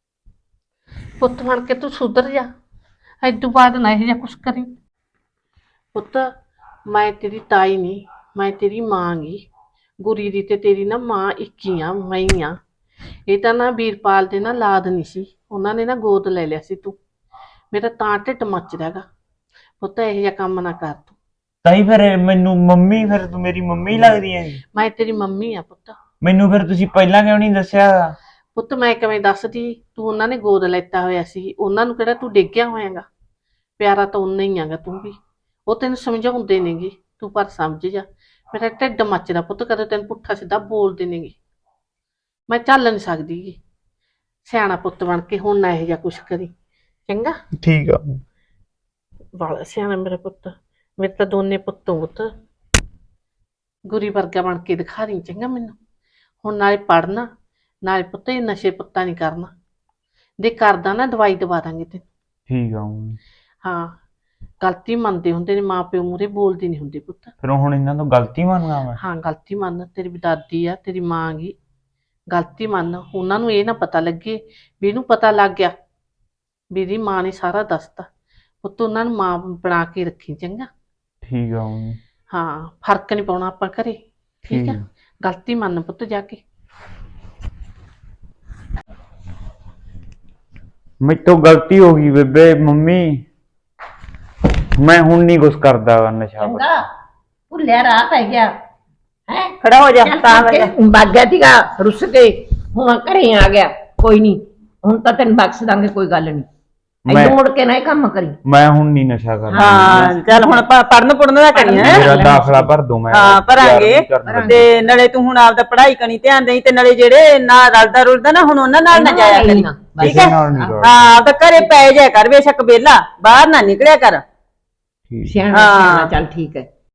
Speaker 5: ਪੁੱਤ ਬਣ ਕੇ ਤੂੰ ਸੁਧਰ ਜਾ ਐਦੋਂ ਬਾਅਦ ਨਾ ਇਹ ਜਿਹਾ ਕੁਛ ਕਰੀ ਪੁੱਤ ਮੈਂ ਤੇਰੀ ਤਾਈ ਨਹੀਂ ਮੈਂ ਤੇਰੀ ਮਾਂ ਗੀ ਗੁਰੀ ਦੀ ਤੇ ਤੇਰੀ ਨਾ ਮਾਂ ਇੱਕ ਹੀ ਆ ਮੈਂ ਹੀ ਆ ਇਹ ਤਾਂ ਨਾ ਵੀਰਪਾਲ ਦੇ ਨਾ ਲਾਦ ਨਹੀਂ ਸੀ ਉਹਨਾਂ ਨੇ ਨਾ ਗੋਦ ਲੈ ਲਿਆ ਸੀ ਤੂੰ ਮੇਰਾ ਤਾਂ ਢਿੱਡ ਮੱਚ ਰਿਹਾਗਾ ਪੁੱਤ ਇਹੋ ਜਿਹਾ ਕੰਮ ਨਾ ਕਰ ਤੂੰ
Speaker 4: ਤਾਈ ਫਿਰ ਮੈਨੂੰ ਮੰਮੀ ਫਿਰ ਤੂੰ ਮੇਰੀ ਮੰਮੀ ਲੱਗਦੀ ਹੈ
Speaker 5: ਮੈਂ ਤੇਰੀ ਮੰਮੀ ਆ ਪੁੱਤ
Speaker 4: ਮੈਨੂੰ ਫਿਰ ਤੁਸੀਂ ਪਹਿਲਾਂ ਕਿਉਂ ਨਹੀਂ ਦੱਸਿਆ
Speaker 5: ਪੁੱਤ ਮੈਂ ਕਿਵੇਂ ਦੱਸਦੀ ਤੂੰ ਉਹਨਾਂ ਨੇ ਗੋਦ ਲੈਤਾ ਹੋਇਆ ਸੀ ਉਹਨਾਂ ਨੂੰ ਕਿਹੜਾ ਤੂੰ ਡਿੱਗਿਆ ਹੋਇਆਗਾ ਪਿਆਰਾ ਤਾਂ ਉਨਾ ਹੀ ਆਗਾ ਤੂੰ ਵੀ ਉਹ ਤੈਨੂੰ ਸਮਝਾਉਂਦੇ ਨੇਗੇ ਤੂੰ ਪਰ ਸਮਝ ਜਾ ਮੇਰਾ ਢਿੱਡ ਮੱਚਦਾ ਪੁੱਤ ਕਦੇ ਤੈਨੂੰ ਪੁੱਠਾ ਸਿੱਧਾ ਬੋਲਦੇ ਨੇਗੇ ਮੈਂ ਚੱਲ ਨਹੀਂ ਸਕਦੀ ਗੀ ਸਿਆਣਾ ਪੁੱਤ ਬਣ ਕੇ ਹੁਣ ਨਾ ਇਹੋ ਜਿਹਾ ਕੁਛ ਕਰੀ ਚੰਗਾ
Speaker 4: ਠੀਕ ਆ
Speaker 5: ਵਾਲਾ ਸਿਆਣਾ ਮੇਰਾ ਪੁੱਤ ਮੇਰੇ ਤਾਂ ਦੋਨੇ ਪੁੱਤੋਂ ਪੁੱਤ ਗੁਰੀ ਵਰਗਾ ਬਣ ਕੇ ਦਿਖਾ ਰਹੀ ਚੰਗਾ ਮੈਨੂੰ ਹੁਣ ਨਾਲੇ ਪੜਨਾ ਨਾਲੇ ਪੁੱਤ ਇਹ ਨਸ਼ੇ ਪੱਤਾ ਨਹੀਂ ਕਰਨਾ ਦੇ ਕਰਦਾ ਨਾ ਦਵਾਈ ਦਵਾ ਦਾਂਗੇ ਤੈਨੂੰ
Speaker 4: ਠੀਕ ਆ
Speaker 5: ਹਾਂ ਗਲਤੀ ਮੰਨਦੇ ਹੁੰਦੇ ਨੇ ਮਾਂ ਪਿਓ ਮੂਹਰੇ ਬੋਲਦੇ ਨਹੀਂ ਹੁੰਦੇ ਪੁੱਤ
Speaker 4: ਫਿਰ ਹੁਣ ਇਹਨਾਂ ਤੋਂ ਗਲਤੀ ਮੰਨਗਾ ਮੈਂ
Speaker 5: ਹਾਂ ਗਲਤੀ ਮੰਨ ਤੇਰੀ ਵੀ ਦਾਦੀ ਆ ਤੇਰੀ ਮਾਂ ਗੀ ਗਲਤੀ ਮੰਨ ਉਹਨਾਂ ਨੂੰ ਇਹ ਨਾ ਪਤਾ ਲੱਗੇ ਵੀ ਇਹਨੂੰ ਪਤਾ ਲੱਗ ਗਿਆ ਵੀ ਇਹਦੀ ਮਾਂ ਨੇ ਸਾਰਾ ਦੱਸਤਾ ਪੁੱਤ ਉਹਨਾਂ ਨੂੰ ਮਾਂ ਬਣਾ ਕੇ ਰੱਖੀ ਚੰਗਾ
Speaker 4: ਠੀਕ ਆ
Speaker 5: ਹਾਂ ਫਰਕ ਨਹੀਂ ਪਾਉਣਾ ਆਪਾਂ ਘਰੇ ਠੀਕ ਆ ਗਲਤੀ ਮੰਨ ਪੁੱਤ ਜਾ ਕੇ
Speaker 4: ਮੇਰੇ ਤੋਂ ਗਲਤੀ ਹੋ ਗਈ ਬੇਬੇ ਮੰਮੀ ਮੈਂ ਹੁਣ ਨਹੀਂ ਕੁਛ ਕਰਦਾ ਨਸ਼ਾ
Speaker 2: ਚੰਗਾ ਭੁੱਲਿਆ ਰਾਹ ਪੈ ਗਿਆ ਹੈ
Speaker 1: ਖੜਾ ਹੋ ਜਾ ਤਾਂ ਵਜਾ
Speaker 2: ਬਾਗਿਆ ਸੀਗਾ ਰੁੱਸ ਕੇ ਹੁਣ ਘਰੇ ਆ ਗਿਆ ਕੋਈ ਨਹੀਂ ਹੁਣ ਤਾਂ ਤੈਨੂੰ ਬਖਸ਼ ਦਾਂਗੇ ਕੋਈ ਗੱਲ ਨਹੀਂ ਐਦੋਂ ਮੁੜ ਕੇ ਨਾ ਇਹ ਕੰਮ ਕਰੀ
Speaker 4: ਮੈਂ ਹੁਣ ਨਹੀਂ ਨਸ਼ਾ ਕਰਦਾ
Speaker 1: ਹਾਂ ਚੱਲ ਹੁਣ ਪੜਨ ਪੁੜਨ ਦਾ ਕਰੀ ਹੈ
Speaker 4: ਮੇਰਾ ਦਾਖਲਾ ਭਰ ਦੋ ਮੈਂ
Speaker 1: ਹਾਂ ਭਰਾਂਗੇ
Speaker 4: ਯਾਰ ਨਹੀਂ ਕਰਨਾ।
Speaker 1: ਤੇ ਨਾਲੇ ਤੂੰ ਹੁਣ ਆਪਦਾ ਪੜ੍ਹਾਈ ਕਣੀ ਧਿਆਨ ਦੇਈ ਤੇ ਨਾਲੇ ਜਿਹੜੇ ਨਾ ਰਲਦਾ ਰੁਲਦਾ ਨਾ ਹੁਣ ਉਹਨਾਂ ਨਾਲ ਨਾ ਜਾਇਆ ਕਰੀ ਠੀਕ
Speaker 4: ਕਿਸੇ
Speaker 1: ਹੈ
Speaker 4: ਨਾਲ ਨਹੀਂ ਕਰਦਾ।
Speaker 1: ਹਾਂ ਆਪਦਾ ਘਰੇ ਪੈ ਜਾਇਆ ਕਰ ਬੇਸ਼ੱਕ ਵਿਹਲਾ ਬਾਹਰ ਨਾ ਨਿਕਲਿਆ ਕਰ
Speaker 4: ਠੀਕ
Speaker 2: ਸਿਆਣਾ
Speaker 1: ਹਾਂ।
Speaker 2: ਸਿਆਣਾ ਚੱਲ ਠੀਕ ਹੈ